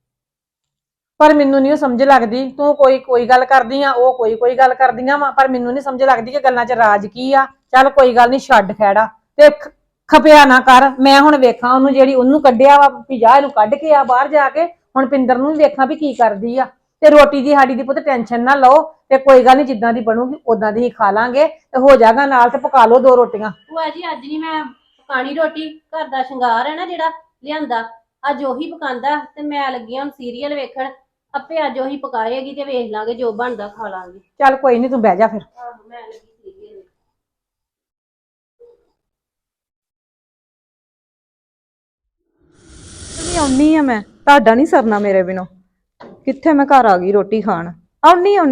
ਪਰ ਮੈਨੂੰ ਨਹੀਂ ਸਮਝ ਲੱਗਦੀ। ਤੂੰ ਕੋਈ ਗੱਲ ਕਰਦੀ ਆ, ਉਹ ਕੋਈ ਗੱਲ ਕਰਦੀਆਂ ਵਾ, ਪਰ ਮੈਨੂੰ ਨਹੀਂ ਸਮਝ ਲੱਗਦੀ ਕਿ ਗੱਲਾਂ 'ਚ ਰਾਜ ਕੀ ਆ। ਚੱਲ ਕੋਈ ਗੱਲ ਨਹੀਂ, ਛੱਡ ਖੈੜਾ ਤੇ ਖਪਿਆ ਨਾ ਕਰ। ਮੈਂ ਹੁਣ ਵੇਖਾਂ ਉਹਨੂੰ, ਜਿਹੜੀ ਉਹਨੂੰ ਕੱਢਿਆ ਵਾ ਵੀ ਜਾ ਇਹਨੂੰ ਕੱਢ ਕੇ ਆ ਬਾਹਰ ਜਾ ਕੇ। ਹੁਣ ਪਿੰਦਰ ਨੂੰ ਵੀ ਵੇਖਾਂ ਵੀ ਕੀ ਕਰਦੀ ਆ। ਤੇ ਰੋਟੀ ਦੀ ਸਾਡੀ ਦੀ ਪੁੱਤ ਟੈਨਸ਼ਨ ਨਾ ਲਓ, ਤੇ ਕੋਈ ਗੱਲ ਨਹੀਂ, ਜਿੱਦਾਂ ਦੀ ਬਣੂਗੀ ਉਦਾਂ ਦੀ ਹੀ ਖਾ ਲਾਂਗੇ। ਤੇ ਹੋ ਜਾਗਾ ਨਾਲ ਤੇ ਪਕਾ ਲਓ 2 ਰੋਟੀਆਂ।
ਭੂਆ ਜੀ ਅੱਜ ਨਹੀਂ ਮੈਂ ਪਕਾਣੀ ਰੋਟੀ, ਘਰ ਦਾ ਸ਼ਿੰਗਾਰ ਹੈ ਨਾ ਜਿਹੜਾ ਲਿਆਂਦਾ, ਅੱਜ ਉਹੀ ਪਕਾਂਦਾ ਤੇ ਮੈਂ ਲੱਗੀ ਹੁਣ ਸੀਰੀਅਲ ਵੇਖਣ। ਆਪੇ ਅੱਜ ਉਹੀ ਪਕਾਏਗੀ ਤੇ ਵੇਖ ਲਾਂਗੇ, ਜੋ ਬਣਦਾ ਖਾ ਲਾਂਗੇ।
ਚੱਲ ਕੋਈ ਨਹੀਂ, ਤੂੰ ਬਹਿ ਜਾ ਫਿਰ।
ਆਹੋ ਮੈਂ ਲੱਗੀ ਸੀਰੀਅਲ।
ਆਉਣੀ ਆ ਮੈਂ, ਤੁਹਾਡਾ ਨਹੀਂ ਸਰਨਾ ਮੇਰੇ ਬਿਨੋਂ। ਕਿੱਥੇ ਮੈਂ ਘਰ ਆ ਗਈ ਰੋਟੀ ਖਾਣ। ਆਉਣੀ ਆ।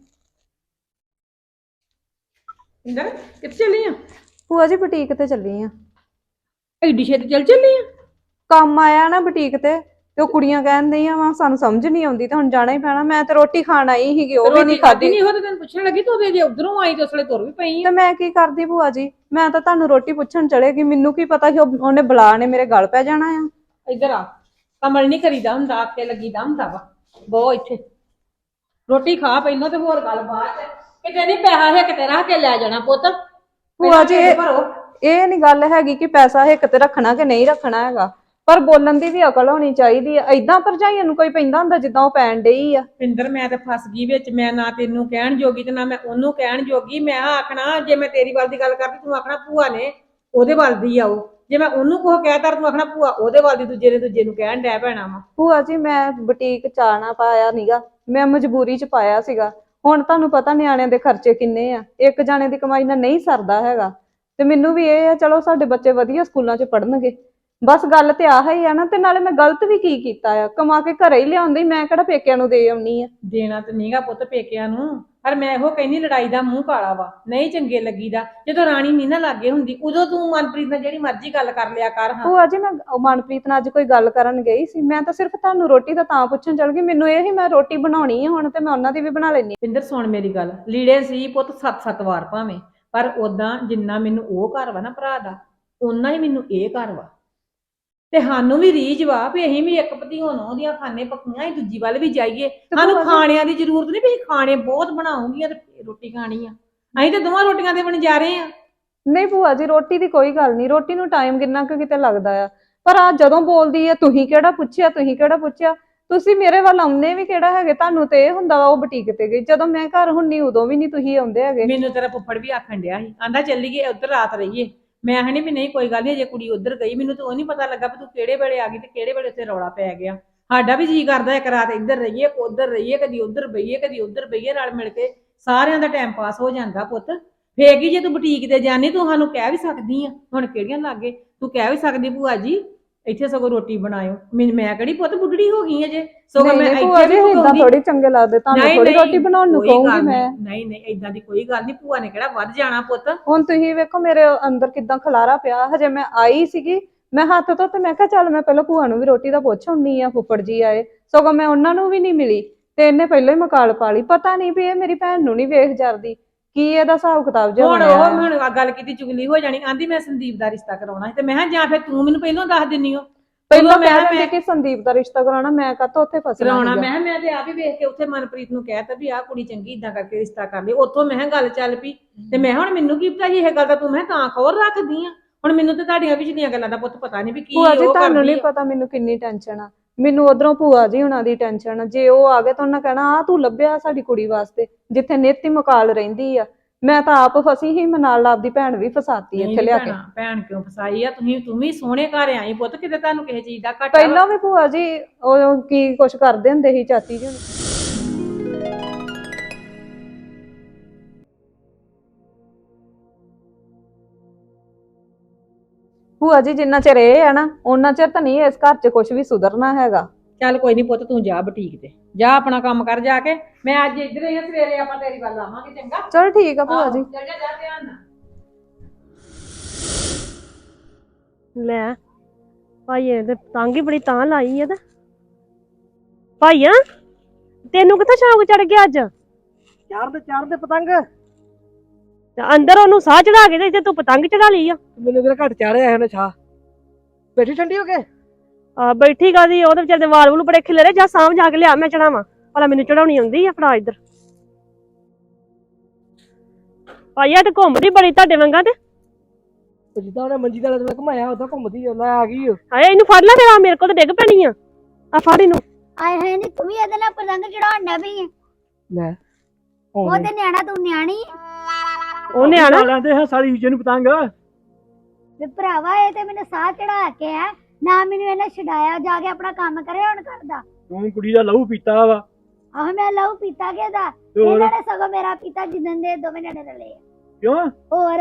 ਇੰਦਰ ਕਿੱਥੇ ਚੱਲੀ ਆ?
ਭੂਆ ਜੀ ਬੁਟੀਕ ਤੇ ਚੱਲੀ ਆ।
ਐਡੀ ਛੇਤੀ ਚੱਲੀ ਆ?
ਕੰਮ ਆਇਆ ਨਾ ਬੁਟੀਕ ਤੇ ਉਹ ਕੁੜੀਆਂ ਕਹਿੰਦੀਆਂ ਵਾ ਸਾਨੂੰ ਸਮਝ ਨਹੀਂ ਆਉਂਦੀ ਤੇ ਹੁਣ ਜਾਣਾ ਹੀ ਪੈਣਾ। ਮੈਂ ਤੇ ਰੋਟੀ ਖਾਣ ਆਈ ਸੀਗੀ, ਉਹ ਵੀ ਨਹੀਂ ਖਾਧੀ।
ਨਹੀਂ ਉਹ ਤੇ ਤੈਨੂੰ ਪੁੱਛਣ ਲੱਗੀ, ਤੂੰ ਜੇ ਉਧਰੋਂ ਆਈ ਤੇ ਉਸਲੇ ਤੁਰ ਵੀ ਪਈ ਆ।
ਤੇ ਮੈਂ ਕੀ ਕਰਦੀ ਭੂਆ ਜੀ, ਮੈਂ ਤਾਂ ਤੁਹਾਨੂੰ ਰੋਟੀ ਪੁੱਛਣ ਚਲੇਗੀ। ਮੈਨੂੰ ਕੀ ਪਤਾ ਕਿ ਉਹਨੇ ਬੁਲਾ ਨੇ ਮੇਰੇ ਗਲ ਪੈ ਜਾਣਾ ਆ।
ਇੱਧਰ ਆ, ਕਮਲ ਨਹੀਂ ਕਰੀਦਾ ਹੁੰਦਾ, ਆਕੇ ਲੱਗੀਦਾ ਹੁੰਦਾ ਵਾ। ਬਹੁਤ ਇੱਥੇ ਰੋਟੀ ਖਾ ਪਹਿਲਾਂ ਤੇ ਹੋਰ ਗੱਲ ਬਾਅਦ ਚ। ਕਿਤੇ ਨਹੀਂ ਪੈਸਾ ਹੈ ਕਿਤੇ ਰੱਖ ਕੇ ਲੈ ਜਾਣਾ ਪੁੱਤ।
ਭੂਆ ਜੀ ਇਹ ਨਹੀਂ ਗੱਲ ਹੈਗੀ ਕਿ ਪੈਸਾ ਹਿੱਕ ਤੇ ਰੱਖਣਾ ਕਿ ਨਹੀਂ ਰੱਖਣਾ ਹੈਗਾ, ਪਰ ਬੋਲਣ ਦੀ ਵੀ ਅਕਲ ਹੋਣੀ ਚਾਹੀਦੀ ਆ। ਏਦਾਂ ਭਰਜਾਈਆਂ ਨੂੰ ਕੋਈ ਪੈਂਦਾ ਹੁੰਦਾ ਜਿੱਦਾਂ ਉਹ ਪੈਣ ਡਈ ਆ।
ਪਿੰਦਰ ਮੈਂ ਤੇ ਫਸ ਗਈ ਵਿੱਚ। ਮੈਂ ਨਾ ਤੈਨੂੰ ਕਹਿਣ ਜੋਗੀ ਤੇ ਨਾ ਮੈਂ ਉਹਨੂੰ ਕਹਿਣ ਜੋਗੀ। ਮੈਂ ਆਖਣਾ ਜੇ ਮੈਂ ਤੇਰੀ ਵੱਲ ਦੀ ਗੱਲ ਕਰਦੀ, ਤੂੰ ਆਖਣਾ ਭੂਆ ਨੇ ਉਹਦੇ ਵੱਲ ਦੀ ਆ ਉਹ। ਜੇ ਮੈਂ ਉਹਨੂੰ ਕੁਛ ਕਹਿਤਾ ਤੂੰ ਆਖਣਾ ਭੂਆ ਉਹਦੇ ਵੱਲ ਦੀ, ਦੂਜੇ ਨੇ ਦੂਜੇ ਨੂੰ ਕਹਿਣ ਡੈ ਪੈਣਾ ਵਾ।
ਭੂਆ ਜੀ ਮੈਂ ਬੁਟੀਕ ਚਾਣਾ ਪਾਇਆ ਨੀਗਾ, ਮੈਂ ਮਜਬੂਰੀ ਚ ਪਾਇਆ ਸੀਗਾ। ਹੁਣ ਤੁਹਾਨੂੰ ਪਤਾ ਨਿਆਣਿਆਂ ਦੇ ਖਰਚੇ ਕਿੰਨੇ ਆ, ਇੱਕ ਜਾਣੇ ਦੀ ਕਮਾਈ ਨਾਲ ਨਹੀਂ ਸਰਦਾ ਹੈਗਾ। ਤੇ ਮੈਨੂੰ ਵੀ ਇਹ ਆ ਚਲੋ ਸਾਡੇ ਬੱਚੇ ਵਧੀਆ ਸਕੂਲਾਂ 'ਚ ਪੜ੍ਹਨਗੇ, ਬਸ ਗੱਲ ਤੇ ਆਹ ਹੀ ਆ ਨਾ। ਤੇ ਨਾਲੇ ਮੈਂ ਗਲਤ ਵੀ ਕੀ ਕੀਤਾ ਆ, ਕਮਾ ਕੇ ਘਰੇ ਹੀ ਲਿਆਉਂਦੀ, ਮੈਂ ਕਿਹੜਾ ਪੇਕਿਆਂ ਨੂੰ ਦੇ ਆਉਣੀ ਆ।
ਦੇਣਾ ਤੇ ਨਹੀਂਗਾ ਪੁੱਤ ਪੇਕਿਆਂ ਨੂੰ,
ਪਰ ਮੈਂ ਇਹੋ ਕਹਿੰਦੀ ਲੜਾਈ ਦਾ ਮੂੰਹ ਕਾਲਾ ਵਾ, ਨਹੀਂ ਚੰਗੇ ਲੱਗੀਦਾ। ਜਦੋਂ ਰਾਣੀ ਨਹੀਂ ਨਾ ਲਾਗੇ ਹੁੰਦੀ ਉਦੋਂ ਤੂੰ ਮਨਪ੍ਰੀਤ ਨਾਲ ਜਿਹੜੀ ਮਰਜ਼ੀ ਗੱਲ ਕਰ ਲਿਆ ਕਰ। ਹਾਂ
ਭੂਆ ਜੀ ਮੈਂ ਮਨਪ੍ਰੀਤ ਨਾਲ ਅੱਜ ਕੋਈ ਗੱਲ ਕਰਨ ਗਈ ਸੀ, ਮੈਂ ਤਾਂ ਸਿਰਫ ਤੁਹਾਨੂੰ ਰੋਟੀ ਦਾ ਤਾਂ ਪੁੱਛਣ ਚੱਲ ਗਈ। ਮੈਨੂੰ ਇਹ ਹੀ ਮੈਂ ਰੋਟੀ ਬਣਾਉਣੀ ਆ ਹੁਣ ਤੇ ਮੈਂ ਉਹਨਾਂ ਦੀ ਵੀ ਬਣਾ ਲੈਣੀ।
ਪਿੰਦਰ ਸੁਣ ਮੇਰੀ ਗੱਲ, ਲੀੜੇ ਸੀ ਪੁੱਤ 7-7 ਵਾਰ ਭਾਵੇਂ, ਪਰ ਉਦਾਂ ਜਿੰਨਾ ਮੈਨੂੰ ਉਹ ਘਰ ਵਾ ਨਾ ਭਰਾ ਦਾ, ਓਨਾ ਹੀ ਮੈਨੂੰ ਇਹ ਘਰ ਵਾ। ਤੇ ਸਾਨੂੰ ਵੀ ਰੀਝ ਵਾ ਵੀ ਅਸੀਂ ਵੀ ਇੱਕ ਭਤੀਓਂ ਨੂੰ ਉਹਦੀਆਂ ਖਾਣੇ ਪੱਕੀਆਂ ਹੀ ਦੂਜੀ ਵੱਲ ਵੀ ਜਾਈਏ। ਸਾਨੂੰ ਖਾਣਿਆਂ ਦੀ ਜ਼ਰੂਰਤ ਨਹੀਂ ਵੀ ਖਾਣੇ ਬਹੁਤ ਬਣਾਉਂਗੀਆਂ ਤੇ ਰੋਟੀ ਖਾਣੀ ਆ। ਅਸੀਂ ਤਾਂ ਦੋਵਾਂ ਰੋਟੀਆਂ ਤੇ ਬਣ ਜਾ ਰਹੇ ਆ।
ਨਹੀਂ ਭੂਆ ਜੀ ਰੋਟੀ ਦੀ ਕੋਈ ਗੱਲ ਨਹੀਂ, ਰੋਟੀ ਨੂੰ ਟਾਈਮ ਕਿੰਨਾ ਕੁ ਕਿਤੇ ਲੱਗਦਾ ਆ, ਪਰ ਆ ਜਦੋਂ ਬੋਲਦੀ ਹੈ ਤੁਸੀਂ ਕਿਹੜਾ ਪੁੱਛਿਆ, ਤੁਸੀਂ ਕਿਹੜਾ ਪੁੱਛਿਆ, ਤੁਸੀਂ ਮੇਰੇ ਵੱਲ ਆਉਂਦੇ ਵੀ ਕਿਹੜਾ ਹੈਗੇ। ਤੁਹਾਨੂੰ ਤੇ ਇਹ ਹੁੰਦਾ ਵਾ ਉਹ ਬੁਟੀਕ ਤੇ ਗਈ, ਜਦੋਂ ਮੈਂ ਘਰ ਹੁੰਨੀ ਉਦੋਂ ਵੀ ਨਹੀਂ ਤੁਸੀਂ ਆਉਂਦੇ ਹੈਗੇ।
ਮੈਨੂੰ ਤੇਰਾ ਫੁੱਫੜ ਵੀ ਆਖਣ ਡਿਆ ਸੀ, ਆਂਦਾ ਚੱਲੀਏ ਉੱਧਰ ਰਾਤ ਰਹੀਏ। ਮੈਂ ਹਣੀ ਵੀ ਨਹੀਂ ਕੋਈ ਗੱਲ ਨਹੀਂ, ਅਜੇ ਕੁੜੀ ਉੱਧਰ ਗਈ, ਮੈਨੂੰ ਤਾਂ ਉਹ ਨਹੀਂ ਪਤਾ ਲੱਗਾ ਵੀ ਤੂੰ ਕਿਹੜੇ ਵੇਲੇ ਆ ਗਈ ਤੇ ਕਿਹੜੇ ਵੇਲੇ ਉੱਥੇ ਰੌਲਾ ਪੈ ਗਿਆ। ਸਾਡਾ ਵੀ ਜੀ ਕਰਦਾ ਇੱਕ ਰਾਤ ਇੱਧਰ ਰਹੀਏ ਉੱਧਰ ਰਹੀਏ, ਕਦੀ ਉੱਧਰ ਬਈਏ ਕਦੀ ਉੱਧਰ ਬਈਏ, ਰਲ ਮਿਲ ਕੇ ਸਾਰਿਆਂ ਦਾ ਟਾਈਮ ਪਾਸ ਹੋ ਜਾਂਦਾ ਪੁੱਤ। ਫੇਰ ਕੀ ਜੇ ਤੂੰ ਬੁਟੀਕ ਤੇ ਜਾਣੀ ਤੂੰ ਸਾਨੂੰ ਕਹਿ ਵੀ ਸਕਦੀ ਆ, ਹੁਣ ਕਿਹੜੀਆਂ ਲਾਗੇ ਤੂੰ ਕਹਿ ਵੀ ਸਕਦੀ ਭੂਆ ਜੀ ਇੱਥੇ ਸਗੋਂ ਰੋਟੀ ਬਣਾਇਓ। ਮੈਂ ਕਿਹੜੀ ਪੁੱਤ ਬੁੱਢੜੀ ਹੋ ਗਈ ਅਜੇ, ਸਗੋਂ ਮੈਂ ਇੱਥੇ ਵੀ
ਇਦਾਂ ਥੋੜੀ ਚੰਗੇ ਲੱਗਦੇ ਤੁਹਾਨੂੰ, ਥੋੜੀ ਰੋਟੀ ਬਣਾਉਣ ਨੂੰ ਕਹੂੰਗੀ ਮੈਂ।
ਨਹੀਂ ਨਹੀਂ ਇਦਾਂ ਦੀ ਕੋਈ ਗੱਲ ਨਹੀਂ, ਭੂਆ ਨੇ ਕਿਹੜਾ ਵੱਧ ਜਾਣਾ ਪੁੱਤ।
ਹੁਣ ਤੁਸੀਂ ਵੇਖੋ ਮੇਰੇ ਅੰਦਰ ਕਿਦਾਂ ਖਲਾਰਾ ਪਿਆ, ਹਜੇ ਮੈਂ ਆਈ ਸੀਗੀ, ਮੈਂ ਹੱਥ ਧੋ ਤੇ ਮੈਂ ਕਿਹਾ ਚੱਲ ਮੈਂ ਪਹਿਲਾਂ ਭੂਆ ਨੂੰ ਵੀ ਰੋਟੀ ਦਾ ਪੁੱਛ ਆਉਣੀ ਆ, ਫੁੱਫੜ ਜੀ ਆਏ, ਸਗੋਂ ਮੈਂ ਉਹਨਾਂ ਨੂੰ ਵੀ ਨਹੀਂ ਮਿਲੀ ਤੇ ਇਹਨੇ ਪਹਿਲਾਂ ਹੀ ਮਕਾਲ ਪਾ ਲਈ। ਪਤਾ ਨਹੀਂ ਵੀ ਇਹ ਮੇਰੀ ਭੈਣ ਨੂੰ ਨਹੀਂ ਵੇਖ ਜਰਦੀ, ਕੀ ਇਹਦਾ ਹਿਸਾਬ ਕਿਤਾਬ ਜਿਹਾ ਬਣਿਆ।
ਹੁਣ ਗੱਲ ਕੀਤੀ ਚੁਗਲੀ ਹੋ ਜਾਣੀ, ਆਂਦੀ ਮੈਂ ਸੰਦੀਪ ਦਾ ਰਿਸ਼ਤਾ ਕਰਾਉਣਾ ਤੇ ਮੈਂ ਕਿਹਾ ਜਾਂ ਫਿਰ ਤੂੰ ਮੈਨੂੰ ਪਹਿਲਾਂ ਦੱਸ ਦਿੰਨੀ ਹੋ।
ਪਹਿਲਾਂ ਮੈਂ ਕਹਿੰਦੀ ਕਿ ਸੰਦੀਪ ਦਾ ਰਿਸ਼ਤਾ ਕਰਾਉਣਾ, ਮੈਂ ਕਾਹਤੋਂ ਉੱਥੇ ਫਸਣਾ
ਕਰਾਉਣਾ। ਮੈਂ ਤੇ ਆਪ ਹੀ ਵੇਖ ਕੇ ਉੱਥੇ ਮਨਪ੍ਰੀਤ ਨੂੰ ਕਹਿਤਾ ਵੀ ਆਹ ਕੁੜੀ ਚੰਗੀ, ਇਦਾਂ ਕਰਕੇ ਰਿਸ਼ਤਾ ਕਰ ਲਈ। ਉੱਥੋਂ ਮੈਂ ਗੱਲ ਚੱਲ ਪਈ ਤੇ ਮੈਂ ਹੁਣ ਮੈਨੂੰ ਕੀ ਪਤਾ ਸੀ ਇਹ ਗੱਲ ਦਾ, ਤੂੰ ਮੈਂ ਤਾਂ ਖਬਰ ਰੱਖਦੀ ਆ। ਹੁਣ ਮੈਨੂੰ ਤੇ ਤੁਹਾਡੀਆਂ ਪਿਛਲੀਆਂ ਗੱਲਾਂ ਦਾ ਪੁੱਤ ਪਤਾ ਨਹੀਂ ਵੀ ਕੀ
ਭੂਆ ਜੀ ਤੁਹਾਨੂੰ ਨਹੀਂ ਪਤਾ ਮੈਨੂੰ ਕਿੰਨੀ ਟੈਨਸ਼ਨ ਆ। ਮੈਨੂੰ ਉਧਰੋਂ ਭੂਆ ਜੀ ਹੁਣਾਂ ਦੀ ਟੈਨਸ਼ਨ ਆ, ਜੇ ਉਹ ਆ ਗਏ ਤਾਂ ਉਹਨਾਂ ਕਹਿਣਾ ਆ ਤੂੰ ਲੱਭਿਆ ਸਾਡੀ ਕੁੜੀ ਵਾਸਤੇ, ਜਿੱਥੇ ਨਿੱਤ ਹੀ ਮਕਾਲ ਰਹਿੰਦੀ ਆ। ਮੈਂ ਤਾਂ ਆਪ ਫਸੀ ਹੀ, ਮੈਂ ਨਾਲ ਆਪਦੀ ਭੈਣ ਵੀ ਫਸਾਤੀ ਇੱਥੇ ਲਿਆ ਕੇ।
ਭੈਣ ਕਿਉਂ ਫਸਾਈ ਆ? ਤੂੰ ਵੀ ਸੋਹਣੇ ਘਰ ਆਈ ਪੁੱਤ, ਕਿਤੇ ਤੁਹਾਨੂੰ ਕਿਸੇ ਚੀਜ਼ ਦਾ ਘਾਟਾ?
ਪਹਿਲਾਂ ਵੀ ਭੂਆ ਜੀ ਉਹ ਕੀ ਕੁਛ ਕਰਦੇ ਹੁੰਦੇ ਸੀ ਚਾਚੀ ਜੀ। ਭੂਆ ਜੀ ਜਿੰਨਾ ਚਿਰ ਇਹ ਆ ਨਾ ਉਹਨਾਂ ਚਿਰ ਤਾਂ ਨਹੀਂ ਇਸ ਘਰ 'ਚ ਕੁਝ ਵੀ ਸੁਧਰਨਾ ਹੈਗਾ।
ਚੱਲ ਕੋਈ ਨਹੀਂ ਪੁੱਤ, ਤੂੰ ਜਾ ਬੁਟੀਕ ਤੇ ਜਾ, ਆਪਣਾ ਕੰਮ ਕਰ ਜਾ ਕੇ। ਮੈਂ ਅੱਜ ਇੱਧਰ ਹੀ ਆ, ਸਵੇਰੇ ਆਪਾਂ ਤੇਰੀ ਵੱਲ ਆਵਾਂਗੇ, ਚੰਗਾ?
ਚਲ ਠੀਕ ਆ ਭੂਆ ਜੀ।
ਚੱਲ ਜਾ ਧਿਆਨ ਨਾਲ।
ਲੈ ਭਾਈਏ ਤੇ ਪਤੰਗ ਹੀ ਬੜੀ ਤਾਂ ਲਾਈ ਆ। ਤੇ ਭਾਈਆ ਤੈਨੂੰ ਕਿੱਥੇ ਸ਼ੌਂਕ ਚੜ ਗਿਆ ਅੱਜ?
ਚੜਦੇ ਪਤੰਗ
ਤੇ ਅੰਦਰ ਉਹਨੂੰ ਸਾਹ ਚੜਾ ਕੇ ਤੇ ਇੱਥੇ ਤੂੰ ਪਤੰਗ ਚੜਾ ਲਈ ਆ।
ਮੈਨੂੰ ਕਿਹੜਾ ਘੱਟ ਚਾੜਿਆ ਇਹਨੇ ਛਾ ਬੈਠੀ ਠੰਡੀ ਹੋ ਕੇ।
ਆ ਬੈਠੀ ਕਾਦੀ, ਉਹਦੇ ਵਿਚਾਰੇ ਦੇ ਵਾਲ ਵੂਲ ਬੜੇ ਖਿਲਰੇ, ਜਾ ਸਾਂਭ ਜਾ ਕੇ ਲਿਆ, ਮੈਂ ਚੜਾਵਾਂ ਭਲਾ, ਮੈਨੂੰ ਚੜਾਉਣੀ ਆਉਂਦੀ ਆ। ਫੜਾ ਇੱਧਰ ਭਾਈਆ ਤੇ ਘੁੰਮਦੀ ਬੜੀ ਤੁਹਾਡੇ ਵਾਂਗਾ। ਤੇ
ਜਿੱਦਾਂ ਉਹਨੇ ਮੰਜੀ ਦਾ ਲੱਤ ਘੁਮਾਇਆ ਉਦਾਂ ਘੁੰਮਦੀ ਲੈ ਆ ਗਈ।
ਹਾਏ ਇਹਨੂੰ ਫੜ ਲੈ, ਤੇਰਾ ਮੇਰੇ ਕੋਲ ਤੇ ਡਿੱਗ ਪੈਣੀ ਆ। ਆ ਫੜ ਇਹਨੂੰ।
ਆਏ ਹੋਏ ਨੇ ਤੂੰ ਵੀ ਇਹਦੇ ਨਾਲ ਪਤੰਗ ਚੜਾਉਣ ਡਿਆ ਪਈ ਆਂ।
ਲੈ
ਉਹ ਤੇ ਨਿਆਣਾ ਤੂੰ ਨਿਆਣੀ ਆਂ।
ਉਹਨੇ ਆਣਾ
ਲੈਂਦੇ ਹਾਂ ਸਾਲੀ ਹੀਜੇ ਨੂੰ ਪਤੰਗ।
ਵੀ ਭਰਾਵਾ ਇਹ ਤੇ ਮੈਨੂੰ ਸਾਹ ਚੜਾ ਕੇ ਆ ਨਾ, ਮੈਨੂੰ ਇਹਨੇ ਛਡਾਇਆ, ਜਾ ਕੇ ਆਪਣਾ ਕੰਮ ਕਰੇ ਹੁਣ ਕਰਦਾ।
ਤੂੰ ਕੁੜੀ ਦਾ ਲਹੂ ਪੀਤਾ ਵਾ।
ਆਹ ਮੈਂ ਲਹੂ ਪੀਤਾ ਗਿਆ ਦਾ,
ਹੋਰ?
ਇਹਨਾਂ ਨੇ ਸਗੋਂ ਮੇਰਾ ਪੀਤਾ ਜਿੱਦਣ ਦੇ ਦੋਵੇਂ ਜਣੇ ਰਲੇ ਆ।
ਕਿਉਂ?
ਹੋਰ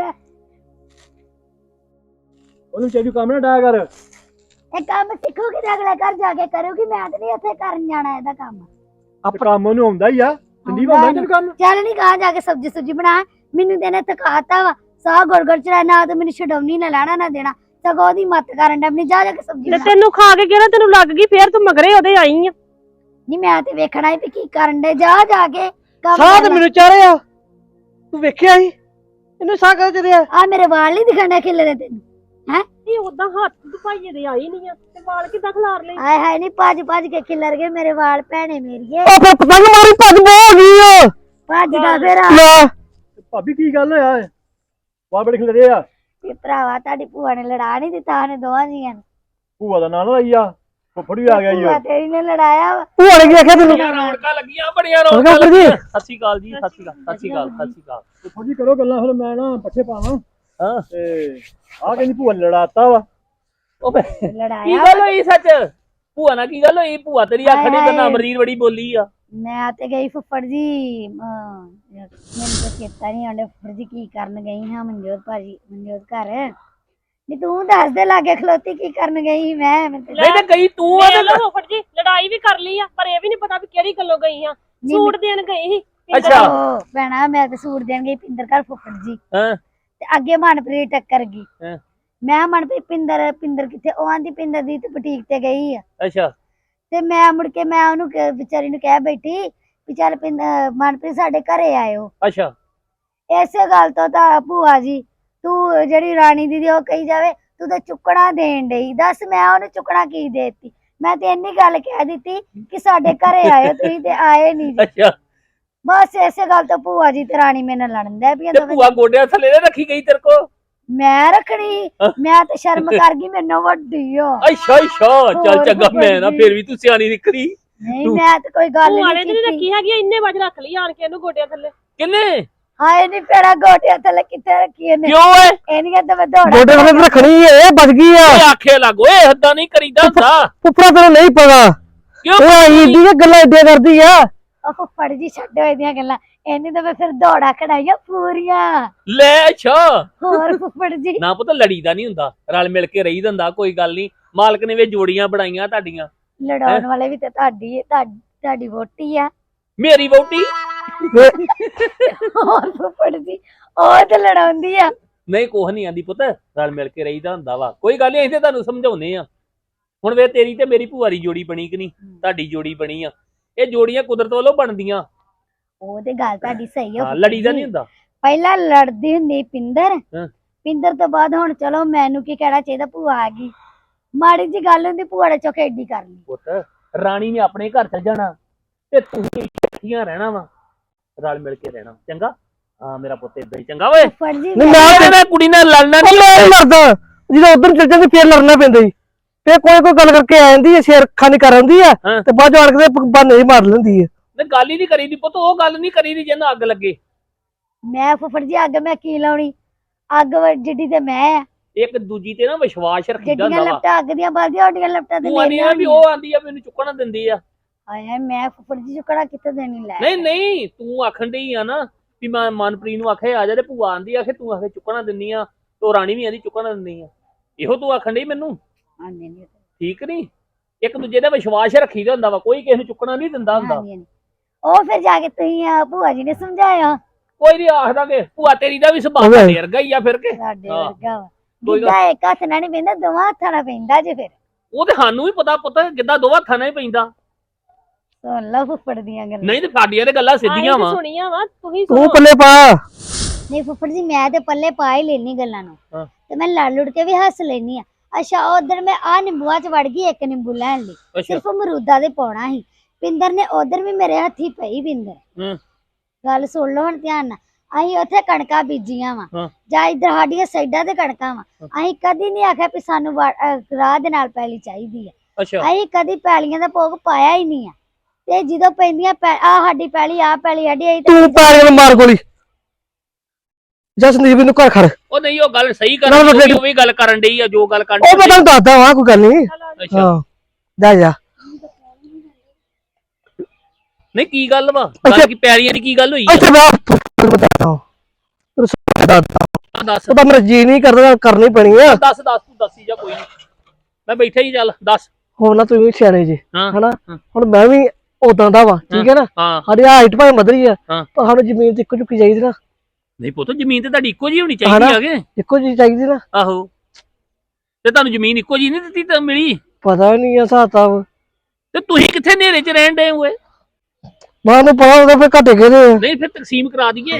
ਉਹਨੂੰ ਚਾਹੀਦੀ ਕੰਮ ਨਾ ਡਾਇਆ ਕਰ।
ਇਹ ਕੰਮ ਸਿੱਖੂਗੀ ਤੇ ਅਗਲੇ ਘਰ ਜਾ ਕੇ ਕਰੂਗੀ, ਮੈਂ ਤੇ ਨਹੀਂ ਉੱਥੇ ਕਰਨ ਜਾਣਾ ਇਹਦਾ ਕੰਮ।
ਆਪਣਾ ਕੰਮ ਉਹਨੂੰ ਆਉਂਦਾ ਹੀ ਆ। ਸੰਦੀਪ ਆਉਂਦਾ ਤੈਨੂੰ ਕੰਮ?
ਚੱਲ ਨਹੀਂ ਕਹਾਂ ਜਾ ਕੇ ਸਬਜ਼ੀ ਸੁਬਜੀ ਬਣਾ, ਮੈਨੂੰ ਤੇ ਇਹਨੇ ਥਕਾਤਾ ਵਾ। ਸਾਹ ਗੁੜ ਚੜਾ, ਨਾ ਤੇ ਮੈਨੂੰ ਛਡਾਉਣੀ ਨਾ ਲੈਣਾ ਨਾ ਦੇਣਾ, ਸਗੋਂ ਉਹਦੀ ਮੱਤ ਕਰਨ ਦਾ। ਮੈਨੂੰ ਜਾ ਕੇ ਸਬਜ਼ੀ
ਤੇ
ਬਣਾ।
ਤੈਨੂੰ ਖਾ ਕੇ ਕਿਹੜਾ ਤੈਨੂੰ ਲੱਗ ਗਈ, ਫੇਰ ਤੂੰ ਮਗਰੇ ਉਹਦੇ ਆਈ ਆ।
ਨਹੀਂ ਮੈਂ ਤੇ ਵੇਖਣਾ ਹੀ ਵੀ ਕੀ ਕਰਨ ਦੇ, ਜਾ ਕੇ ਕੰਮ
ਸਾਹ
ਕਰ
ਤੇ
ਲੈ।
ਮੈਨੂੰ ਚਾੜਿਆ, ਤੂੰ ਵੇਖਿਆ ਸੀ ਇਹਨੂੰ ਸਾਹ ਕਰ ਚੜਿਆ।
ਆ ਮੇਰੇ ਵਾਲ ਨਹੀਂ ਦਿਖਣੇ ਖਿਲਰੇ ਤੈਨੂੰ?
ਇਹ ਉਦਾਂ ਹੱਥ ਤੂੰ ਭਾਈਏ ਦੇ ਆਈ ਨਹੀਂ ਆ, ਤੇ ਵਾਲ ਕਿੱਦਾਂ ਖਿਲਾਰ ਲਈ?
ਹਾਏ ਹਾਏ ਨਹੀਂ ਭੱਜ ਕੇ ਖਿਲਰ ਗਏ ਮੇਰੇ ਵਾਲ ਭੈਣੇ ਮੇਰੀਏ।
ਉਹ ਫਿਰ ਪਤੰਗ ਮਾਰੀ ਭੱਜ ਹੋ ਗਈ।
ਭੱਜਦਾ ਫਿਰ ਆ।
ਲੈ ਭਾਬੀ ਕੀ ਗੱਲ ਹੋਇਆ? ਵਾਹ ਬੜੇ ਖਿਲਰੇ ਆ।
ਵੀ ਭਰਾਵਾ ਤੁਹਾਡੀ ਭੂਆ ਨੇ ਲੜਾ ਨਹੀਂ ਦਿੱਤਾ ਉਹਨੇ ਦੋਵਾਂ ਜੀਆਂ ਨੂੰ।
ਭੂਆ ਦਾ ਨਾਂ ਲਾਈ ਆ, ਫੁੱਫੜ ਵੀ ਆ ਗਿਆ ਈ।
ਭੂਆ ਤੇਰੀ ਨੇ ਲੜਾਇਆ ਵਾ।
ਭੂਆ ਨੇ ਕੀ ਆਖਿਆ ਤੈਨੂੰ?
ਰੌਣਕਾਂ ਲੱਗੀਆਂ ਬੜੀਆਂ ਰੌਣਕਾਂ ਲੱਗੀਆਂ। ਸਤਿ ਸ਼੍ਰੀ ਅਕਾਲ ਜੀ, ਸਤਿ ਸ਼੍ਰੀ ਅਕਾਲ, ਸਤਿ ਸ਼੍ਰੀ ਅਕਾਲ, ਸਤਿ ਸ਼੍ਰੀ ਅਕਾਲ।
ਫੁੱਫੜ ਜੀ ਕਰੋ ਗੱਲਾਂ, ਫਿਰ ਮੈਂ ਨਾ ਪੱਠੇ ਪਾਵਾਂ।
ਹਾਂ
ਤੇ ਆ ਕਹਿੰਦੀ ਭੂਆ ਨੇ ਲੜਾਤਾ ਵਾ।
ਉਹ ਕੀ
ਲੜਾਇਆ
ਗੱਲ ਹੋਈ ਸੱਚ? ਭੂਆ ਨਾਲ ਕੀ ਗੱਲ ਹੋਈ? ਭੂਆ ਤੇਰੀ ਆਖਣੀ ਤੇ ਨਾ ਅਮਰੀਰ ਬੜੀ ਬੋਲੀ ਆ।
ਮੈਂ ਤੇ ਗਈ ਫੁੱਫੜ ਜੀ, ਮੈਨੂੰ ਤਾਂ ਚੇਤਾ ਨਹੀਂ ਆਉਂਦਾ ਫੁੱਫੜ ਜੀ ਕੀ ਕਰਨ ਗਈ ਹਾਂ ਮਨਜੋਤ ਭਾਜੀ, ਮਨਜੋਤ ਘਰ। ਨੀ ਤੂੰ ਦੱਸ ਦੇ, ਲਾਗੇ ਖਲੋਤੀ ਕੀ ਕਰਨ ਗਈ ਮੈਂ?
ਨਹੀਂ ਤੇ ਗਈ ਤੂੰ ਆ ਤੇ
ਫੁੱਫੜ ਜੀ ਲੜਾਈ ਵੀ ਕਰ ਲਈ ਆ, ਪਰ ਇਹ ਵੀ ਨਹੀਂ ਪਤਾ ਵੀ ਕਿਹੜੀ ਗੱਲੋਂ ਗਈ ਆ। ਸੂਟ ਦੇਣ ਗਈ ਸੀ
ਅੱਛਾ
ਉਹ ਭੈਣਾ ਮੈਂ ਤੇ ਸੂਟ ਦੇਣ ਗਈ ਪਿੰਦਰ ਘਰ ਫੁੱਫੜ ਜੀ
ਹਾਂ
ਤੇ ਅੱਗੇ ਮਨਪ੍ਰੀਤ ਟੱਕਰ ਗਈ।
ਹਾਂ।
ਮੈਂ ਮਨਪ੍ਰੀਤ ਪਿੰਦਰ ਕਿੱਥੇ, ਉਹ ਆਂਦੀ ਪਿੰਦਰ ਦੀ ਤੇ ਬੁਟੀਕ ਤੇ ਗਈ ਆ।
ਅੱਛਾ
ਤੇ ਮੈਂ ਮੁੜ ਕੇ ਮੈਂ ਉਹਨੂੰ ਵਿਚਾਰੀ ਨੂੰ ਕਹਿ ਬੈਠੀ ਵੀ ਚੱਲ ਮਨਪ੍ਰੀਤ ਸਾਡੇ ਘਰੇ ਆਇਓ।
ਅੱਛਾ
ਇਸੇ ਗੱਲ ਤੋਂ ਤਾਂ ਭੂਆ ਜੀ ਤੂੰ ਜਿਹੜੀ ਰਾਣੀ ਦੀਦੀ ਉਹ ਕਹੀ ਜਾਵੇ ਤੂੰ ਤਾਂ ਚੁੱਕਣਾ ਦੇਣ ਡਈ, ਦੱਸ ਮੈਂ ਉਹਨੂੰ ਚੁੱਕਣਾ ਕੀ ਦੇਤੀ। ਮੈਂ ਤੇ ਇੰਨੀ ਗੱਲ ਕਹਿ ਦਿੱਤੀ ਕਿ ਸਾਡੇ ਘਰੇ ਆਇਓ, ਤੁਸੀਂ ਤੇ ਆਏ ਨਹੀਂ ਜੀ।
ਅੱਛਾ
ਬਸ ਇਸੇ ਗੱਲ ਤੋਂ ਭੂਆ ਜੀ ਤੇ ਰਾਣੀ ਮੇਰੇ ਨਾਲ ਲੜਨ ਡੈ ਪਈਆਂ
ਤੇ
ਦੋਵੇਂ।
ਭੂਆ ਗੋਡਿਆਂ ਥੱਲੇ ਨਾ ਰੱਖੀ ਗਈ ਤੇਰੇ ਕੋ?
ਮੈਂ ਰੱਖਣੀ, ਮੈਂ ਤੇ ਸ਼ਰਮ ਕਰ ਗਈ, ਮੈਨੂੰ ਵੱਡੀ ਆ।
ਅੱਛਾ ਅੱਛਾ ਚੱਲ
ਹੋਰ
ਚੰਗਾ, ਮੈਂ ਨਾ
ਭੂਆ ਜੀ।
ਫੇਰ ਵੀ ਤੂੰ ਸਿਆਣੀ ਨਿਕਲੀ।
ਨਹੀਂ ਮੈਂ ਤੇ ਕੋਈ ਗੱਲ
ਭੂਆ ਨੇ
ਨਹੀਂ
ਤੇ ਨੀ
ਕੀਤੀ।
ਰੱਖੀ ਹੈਗੀ, ਇੰਨੇ ਵਜ ਰੱਖ ਲਈ ਆਣ ਕੇ ਇਹਨੂੰ ਗੋਡਿਆਂ ਥੱਲੇ।
ਕਿੰਨੇ?
ਹਾਏ ਨਹੀਂ ਪੈੜਾ ਗੋਟਿਆਂ ਥੱਲੇ ਕਿੱਥੇ ਰੱਖੀ ਇਹਨੇ।
ਕਿਉਂ ਏ?
ਇਹਨੀਆਂ ਤਾਂ ਮੈਂ ਦੌੜਾ
ਗੋਡੇ ਵਾਲੇ ਰੱਖਣੀ ਏ, ਬਚ ਗਈ ਆ।
ਓਏ ਆਖੇ ਲੱਗ ਓਏ, ਏਦਾਂ ਨਹੀਂ ਕਰੀਦਾ ਹੁੰਦਾ।
ਉੱਪਰ ਤੈਨੂੰ ਨਹੀਂ ਪਤਾ,
ਕਿਉਂ
ਉਹ ਆਈ ਦੀ ਗੱਲਾਂ ਏਦਾਂ ਕਰਦੀ ਆ।
ਉਹ ਫੁੱਫੜ ਜੀ ਛੱਡੋ ਇਹਦੀਆਂ ਗੱਲਾਂ, ਇਹਨੇ ਤਾਂ ਮੈਂ ਫਿਰ ਦੌੜਾ ਕਢਾਈਆਂ ਪੂਰੀਆਂ।
ਲੈ ਅੱਛਾ
ਹੋਰ ਫੁੱਫੜ ਜੀ
ਨਾ ਪਤਾ ਲੜੀਦਾ ਨਹੀਂ ਹੁੰਦਾ, ਰਲ ਮਿਲ ਕੇ ਰਹੀਦਾ ਹੁੰਦਾ, ਕੋਈ ਗੱਲ ਨਹੀਂ। ਮਾਲਕ ਨੇ ਵੇ ਜੋੜੀਆਂ ਬਣਾਈਆਂ ਤੁਹਾਡੀਆਂ।
ਲੜਾਉਣ ਵਾਲੇ ਵੀ ਤੇ ਤੁਹਾਡੀ ਵੋਟੀ ਆ।
ਮੇਰੀ ਵਹੁਟੀ
ਹੋਰ ਫੁੱਫੜ ਜੀ ਉਹ ਤੇ ਲੜਾਉਂਦੀ ਆ।
ਨਹੀਂ ਕੁਛ ਨਹੀਂ ਆਂਦੀ ਪੁੱਤ, ਰਲ ਮਿਲ ਕੇ ਰਹੀਦਾ ਹੁੰਦਾ ਵਾ, ਕੋਈ ਗੱਲ ਨਹੀਂ। ਅਸੀਂ ਤੇ ਤੁਹਾਨੂੰ ਸਮਝਾਉਨੇ ਆ। ਹੁਣ ਵੇ ਤੇਰੀ ਤੇ ਮੇਰੀ ਭੂਆ ਦੀ ਜੋੜੀ ਬਣੀ ਕਿ ਨਹੀਂ, ਤੁਹਾਡੀ ਜੋੜੀ ਬਣੀ ਆ। ਇਹ ਜੋੜੀਆਂ ਕੁਦਰਤ ਵੱਲੋਂ ਬਣਦੀਆਂ।
ਉਹ ਤੇ ਗੱਲ ਤੁਹਾਡੀ ਸਹੀ ਆ।
ਹਾਂ ਲੜੀਦਾ ਨਹੀਂ ਹੁੰਦਾ।
ਪਹਿਲਾਂ ਲੜਦੀ ਹੁੰਦੀ ਪਿੰਦਰ,
ਹਾਂ।
ਪਿੰਦਰ ਤੋਂ ਬਾਅਦ ਹੁਣ ਚਲੋ ਮੈਨੂੰ ਕੀ ਕਹਿਣਾ ਚਾਹੀਦਾ, ਭੂਆ ਆ ਗਈ, ਮਾੜੀ ਜੀ ਗੱਲ ਹੁੰਦੀ ਭੂਆ ਨੇ ਚੁੱਕ ਏਡੀ ਕਰ ਲਈ।
ਪੁੱਤ ਰਾਣੀ ਨੇ ਆਪਣੇ ਘਰ ਚੱਲ ਜਾਣਾ ਤੇ ਤੂੰ ਇਕੱਠੀਆਂ ਰਹਿਣਾ ਵਾ, ਰਲ ਮਿਲ ਕੇ ਰਹਿਣਾ, ਚੰਗਾ? ਹਾਂ ਮੇਰਾ ਪੁੱਤ ਏਦਾਂ ਹੀ ਚੰਗਾ। ਓਏ
ਫੁੱਫੜ ਜੀ
ਨਹੀਂ,
ਮੈਂ ਕੁੜੀ ਨਾਲ ਲੜਨਾ
ਮੈਂ ਨਹੀਂ ਲੜਦਾ, ਜਦੋਂ ਉਧਰ ਚੱਲ ਜਾਂਦੀ ਫੇਰ ਲੜਨਾ ਪੈਂਦਾ ਜੀ। ਫੇਰ ਕੋਈ ਗੱਲ ਕਰਕੇ ਆ ਜਾਂਦੀ ਹੈ, ਸ਼ੇਰ ਖਾਨੀ ਕਰ ਆਉਂਦੀ ਆ
ਹਾਂ।
ਤੇ ਬਾਅਦ ਆਣ ਕੇ ਬਹਾਨੇ ਹੀ ਮਾਰ ਲੈਂਦੀ ਹੈ।
ਨਹੀਂ ਗੱਲ ਹੀ ਨਹੀਂ ਕਰੀਦੀ ਪੁੱਤ, ਉਹ ਗੱਲ ਨਹੀਂ ਕਰੀਦੀ ਜਿਹਨੂੰ ਅੱਗ ਲੱਗੇ।
ਮੈਂ ਫੁੱਫੜ ਜੀ ਅੱਗ ਮੈਂ ਕੀ ਲਾਉਣੀ, ਅੱਗ ਜਿੱਡੀ ਤੇ ਮੈਂ ਆ।
ਇੱਕ ਦੂਜੀ ਤੇ ਨਾ ਵਿਸ਼ਵਾਸ ਰੱਖੀਦਾ
ਜਿੱਡੀਆਂ
ਹੁੰਦਾ ਵਾ।
ਲਪਟਾਂ ਅੱਗ ਦੀਆਂ ਬਲਦੀਆਂ ਓਡੀਆਂ ਲਪਟਾਂ ਤੇ
ਤੂੰ ਆਂਦੀ ਆ ਵੀ ਉਹ ਆਂਦੀ ਆ ਮੈਨੂੰ ਚੁੱਕਣਾ ਦਿੰਦੀ ਆ।
ਹਾਏ ਮੈਂ ਫੁੱਫੜ ਜੀ ਚੁੱਕਣਾ ਕਿੱਥੇ ਦੇਣੀ ਲੈ।
ਨਹੀਂ ਨਹੀਂ ਤੂੰ ਆਖਣ ਡਈ ਆ ਨਾ ਵੀ ਮੈਂ ਮਨਪ੍ਰੀਤ ਨੂੰ ਆਖੇ ਆ ਜਾ, ਤੇ ਭੂਆ ਆਂਦੀ ਆਖੇ ਤੂੰ ਆਖੇ ਚੁੱਕਣਾ ਦਿੰਦੀ ਆ, ਤੇ ਰਾਣੀ ਵੀ ਆਂਦੀ ਚੁੱਕਣਾ ਦਿੰਦੀ ਆ। ਇਹੋ ਤੂੰ ਆਖਣ ਡਈ ਮੈਨੂੰ,
ਹਾਂਜੀ ਨਹੀਂ
ਠੀਕ ਨਹੀਂ? ਇੱਕ ਦੂਜੇ ਦਾ ਵਿਸ਼ਵਾਸ ਰੱਖੀਦਾ ਹੁੰਦਾ ਵਾ, ਕੋਈ ਕਿਸੇ ਨੂੰ ਚੁੱਕਣਾ ਨਹੀਂ ਦਿੰਦਾ ਹੁੰਦਾ।
ਹਾਂਜੀ ਉਹ ਫਿਰ ਜਾ ਕੇ ਤੁਸੀਂ ਭੂਆ ਜੀ ਨੇ ਸਮਝਾਇਆ
ਕੋਈ ਨਹੀਂ ਆਖਦਾ ਕਿ ਭੂਆ ਤੇਰੀ ਦਾ ਵੀ ਸੁਭਾਅ ਢੇਰ ਵਰਗਾ ਹੀ ਆ ਫਿਰ ਕੇ।
ਸਾਡੇ
ਹਾਂ।
ਵਰਗਾ ਵਾ।
ਕੋਈ ਗੱਲ-
ਗਿੱਧਾ ਇੱਕ ਹੱਥ ਨਾਲ ਨਹੀਂ ਪੈਂਦਾ, ਦੋਵਾਂ ਹੱਥਾਂ ਨਾਲ ਪੈਂਦਾ ਜੇ। ਫਿਰ
ਉਹ ਤੇ ਸਾਨੂੰ ਵੀ ਪਤਾ ਪੁੱਤ, ਕਿੱਦਾਂ ਦੋਵਾਂ ਹੱਥਾਂ ਨਾਲ ਹੀ ਪੈਂਦਾ।
ਸੁਣ ਲਓ ਫੁੱਫੜ ਦੀਆਂ ਗੱਲਾਂ।
ਨਹੀਂ ਤੇ ਸਾਡੀਆਂ ਤੇ ਗੱਲਾਂ ਸਿੱਧੀਆਂ ਵਾ।
ਸੁਣੀਆਂ ਵਾ ਤੁਸੀਂ
ਤੂੰ ਪੱਲੇ ਪਾ।
ਨਹੀਂ ਫੁੱਫੜ ਜੀ ਮੈਂ ਤੇ ਪੱਲੇ ਪਾ ਹੀ ਲੈਣੀ ਗੱਲਾਂ ਨੂੰ,
ਹਾਂ।
ਤੇ ਮੈਂ ਲੜ ਲੁੜ ਕੇ ਵੀ ਹੱਸ ਲੈਣੀ ਆ। ਅੱਛਾ ਉਧਰ ਮੈਂ ਆ ਨਿੰਬੂਆਂ ਚ ਵੜ ਗਈ, ਇੱਕ ਨਿੰਬੂ ਲੈਣ ਲਈ
ਅੱਛਾ
ਸਿਰਫ ਅਮਰੂਦਾਂ ਦੇ ਪਾਉਣਾ ਸੀ। ਪਿੰਦਰ ਨੇ ਉਧਰ ਵੀ ਮੇਰੇ ਹੱਥੀ ਪਈ। ਪਿੰਦਰ
ਹੂੰ
ਗੱਲ ਸੁਣ ਲਓ ਹੁਣ ਧਿਆਨ ਨਾਲ। ਅਸੀਂ ਉੱਥੇ ਕਣਕਾਂ ਬੀਜੀਆਂ ਵਾ,
ਹਾਂ।
ਜਾਂ ਇੱਧਰ ਸਾਡੀਆਂ ਸਾਈਡਾਂ ਤੇ ਕਣਕਾਂ ਵਾ। ਅਸੀਂ ਕਦੀ ਨਹੀਂ ਆਖਿਆ ਵੀ ਸਾਨੂੰ ਰਾਹ ਦੇ ਨਾਲ ਪੈਲੀ ਚਾਹੀਦੀ ਆ।
ਅੱਛਾ
ਅਸੀਂ ਕਦੀ ਪੈਲੀਆਂ ਦਾ ਭੋਗ ਪਾਇਆ ਹੀ ਨਹੀਂ ਆ। ਤੇ ਜਦੋਂ ਪੈਂਦੀਆਂ ਆ ਸਾਡੀ ਪੈਲੀ, ਆ ਪੈਲੀ ਸਾਡੀ, ਅਸੀਂ
ਤੂੰ ਪੈਰ ਮਾਰ ਗੋਲੀ ਜਾ ਸੰਦੀਪ ਨੂੰ ਘਰ ਖੜ।
ਉਹ ਨਹੀਂ ਉਹ ਗੱਲ ਸਹੀ
ਨਾ,
ਕਰਨ
ਨਾ,
ਦੀ, ਉਹ ਵੀ ਗੱਲ ਕਰਨ ਡਈ ਆ ਜੋ ਗੱਲ ਕਰਨ
ਉਹ ਮੈਂ ਤੁਹਾਨੂੰ ਦੱਸਦਾ ਵਾਂ, ਕੋਈ ਗੱਲ ਨਹੀਂ।
ਅੱਛਾ
ਹਾਂ ਜਾ ਜਾ।
ਨਹੀਂ ਕੀ ਗੱਲ ਵਾ, ਗੱਲ ਕੀ ਪੈਰੀਆਂ ਦੀ ਕੀ ਗੱਲ ਹੋਈ
ਇੱਥੇ ਮੈਂ
ਆ? ਦੱਸ
ਉਹ ਤਾਂ ਮੇਰਾ ਜੀ ਨਹੀਂ ਕਰਦਾ, ਕਰਨੀ ਪੈਣੀ ਆ।
ਦੱਸ ਤੂੰ ਦੱਸੀ ਜਾ, ਕੋਈ ਨਹੀਂ ਮੈਂ ਬੈਠਾ ਹੀ, ਚੱਲ ਦੱਸ।
ਹੁਣ ਨਾ ਤੁਸੀਂ ਵੀ ਸਿਆਣੇ ਜੀ,
ਹਾਂ
ਹਨਾ?
ਹਾਂ।
ਹੁਣ ਮੈਂ ਵੀ ਉਦਾਂ ਦਾ ਵਾ, ਠੀਕ ਹੈ ਨਾ?
ਹਾਂ
ਸਾਡੀ ਹਾਈਟ ਭਾਵੇਂ ਵਧੀ ਆ,
ਹਾਂ।
ਪਰ ਸਾਨੂੰ ਜ਼ਮੀਨ ਤੇ ਇੱਕੋ ਚੁੱਕੀ ਚਾਹੀਦੀ ਨਾ।
ਨਹੀਂ ਪੁੱਤ ਜ਼ਮੀਨ ਤੇ ਤੁਹਾਡੀ ਇੱਕੋ ਜਿਹੀ ਹੋਣੀ ਚਾਹੀਦੀ
ਹਨਾ?
ਆਗੇ।
ਇੱਕੋ ਜਿਹੀ ਚਾਹੀਦੀ ਨਾ।
ਆਹੋ ਤੇ ਤੁਹਾਨੂੰ ਜ਼ਮੀਨ ਇੱਕੋ ਜਿਹੀ ਨਹੀਂ ਦਿੱਤੀ ਤਾਂ ਮਿਲੀ?
ਪਤਾ ਨਹੀਂ ਆ ਹਿਸਾਬ ਕਿਤਾਬ।
ਤੇ ਤੁਸੀਂ ਕਿੱਥੇ ਹਨੇਰੇ 'ਚ ਰਹਿਣ ਡਏ ਹੋਏ?
ਮੈਨੂੰ ਪਤਾ ਹੁੰਦਾ ਫਿਰ ਘੱਟੇ ਕਿਹਦੇ ਆ।
ਨਹੀਂ ਫਿਰ ਤਕਸੀਮ ਕਰਾ ਦਈਏ।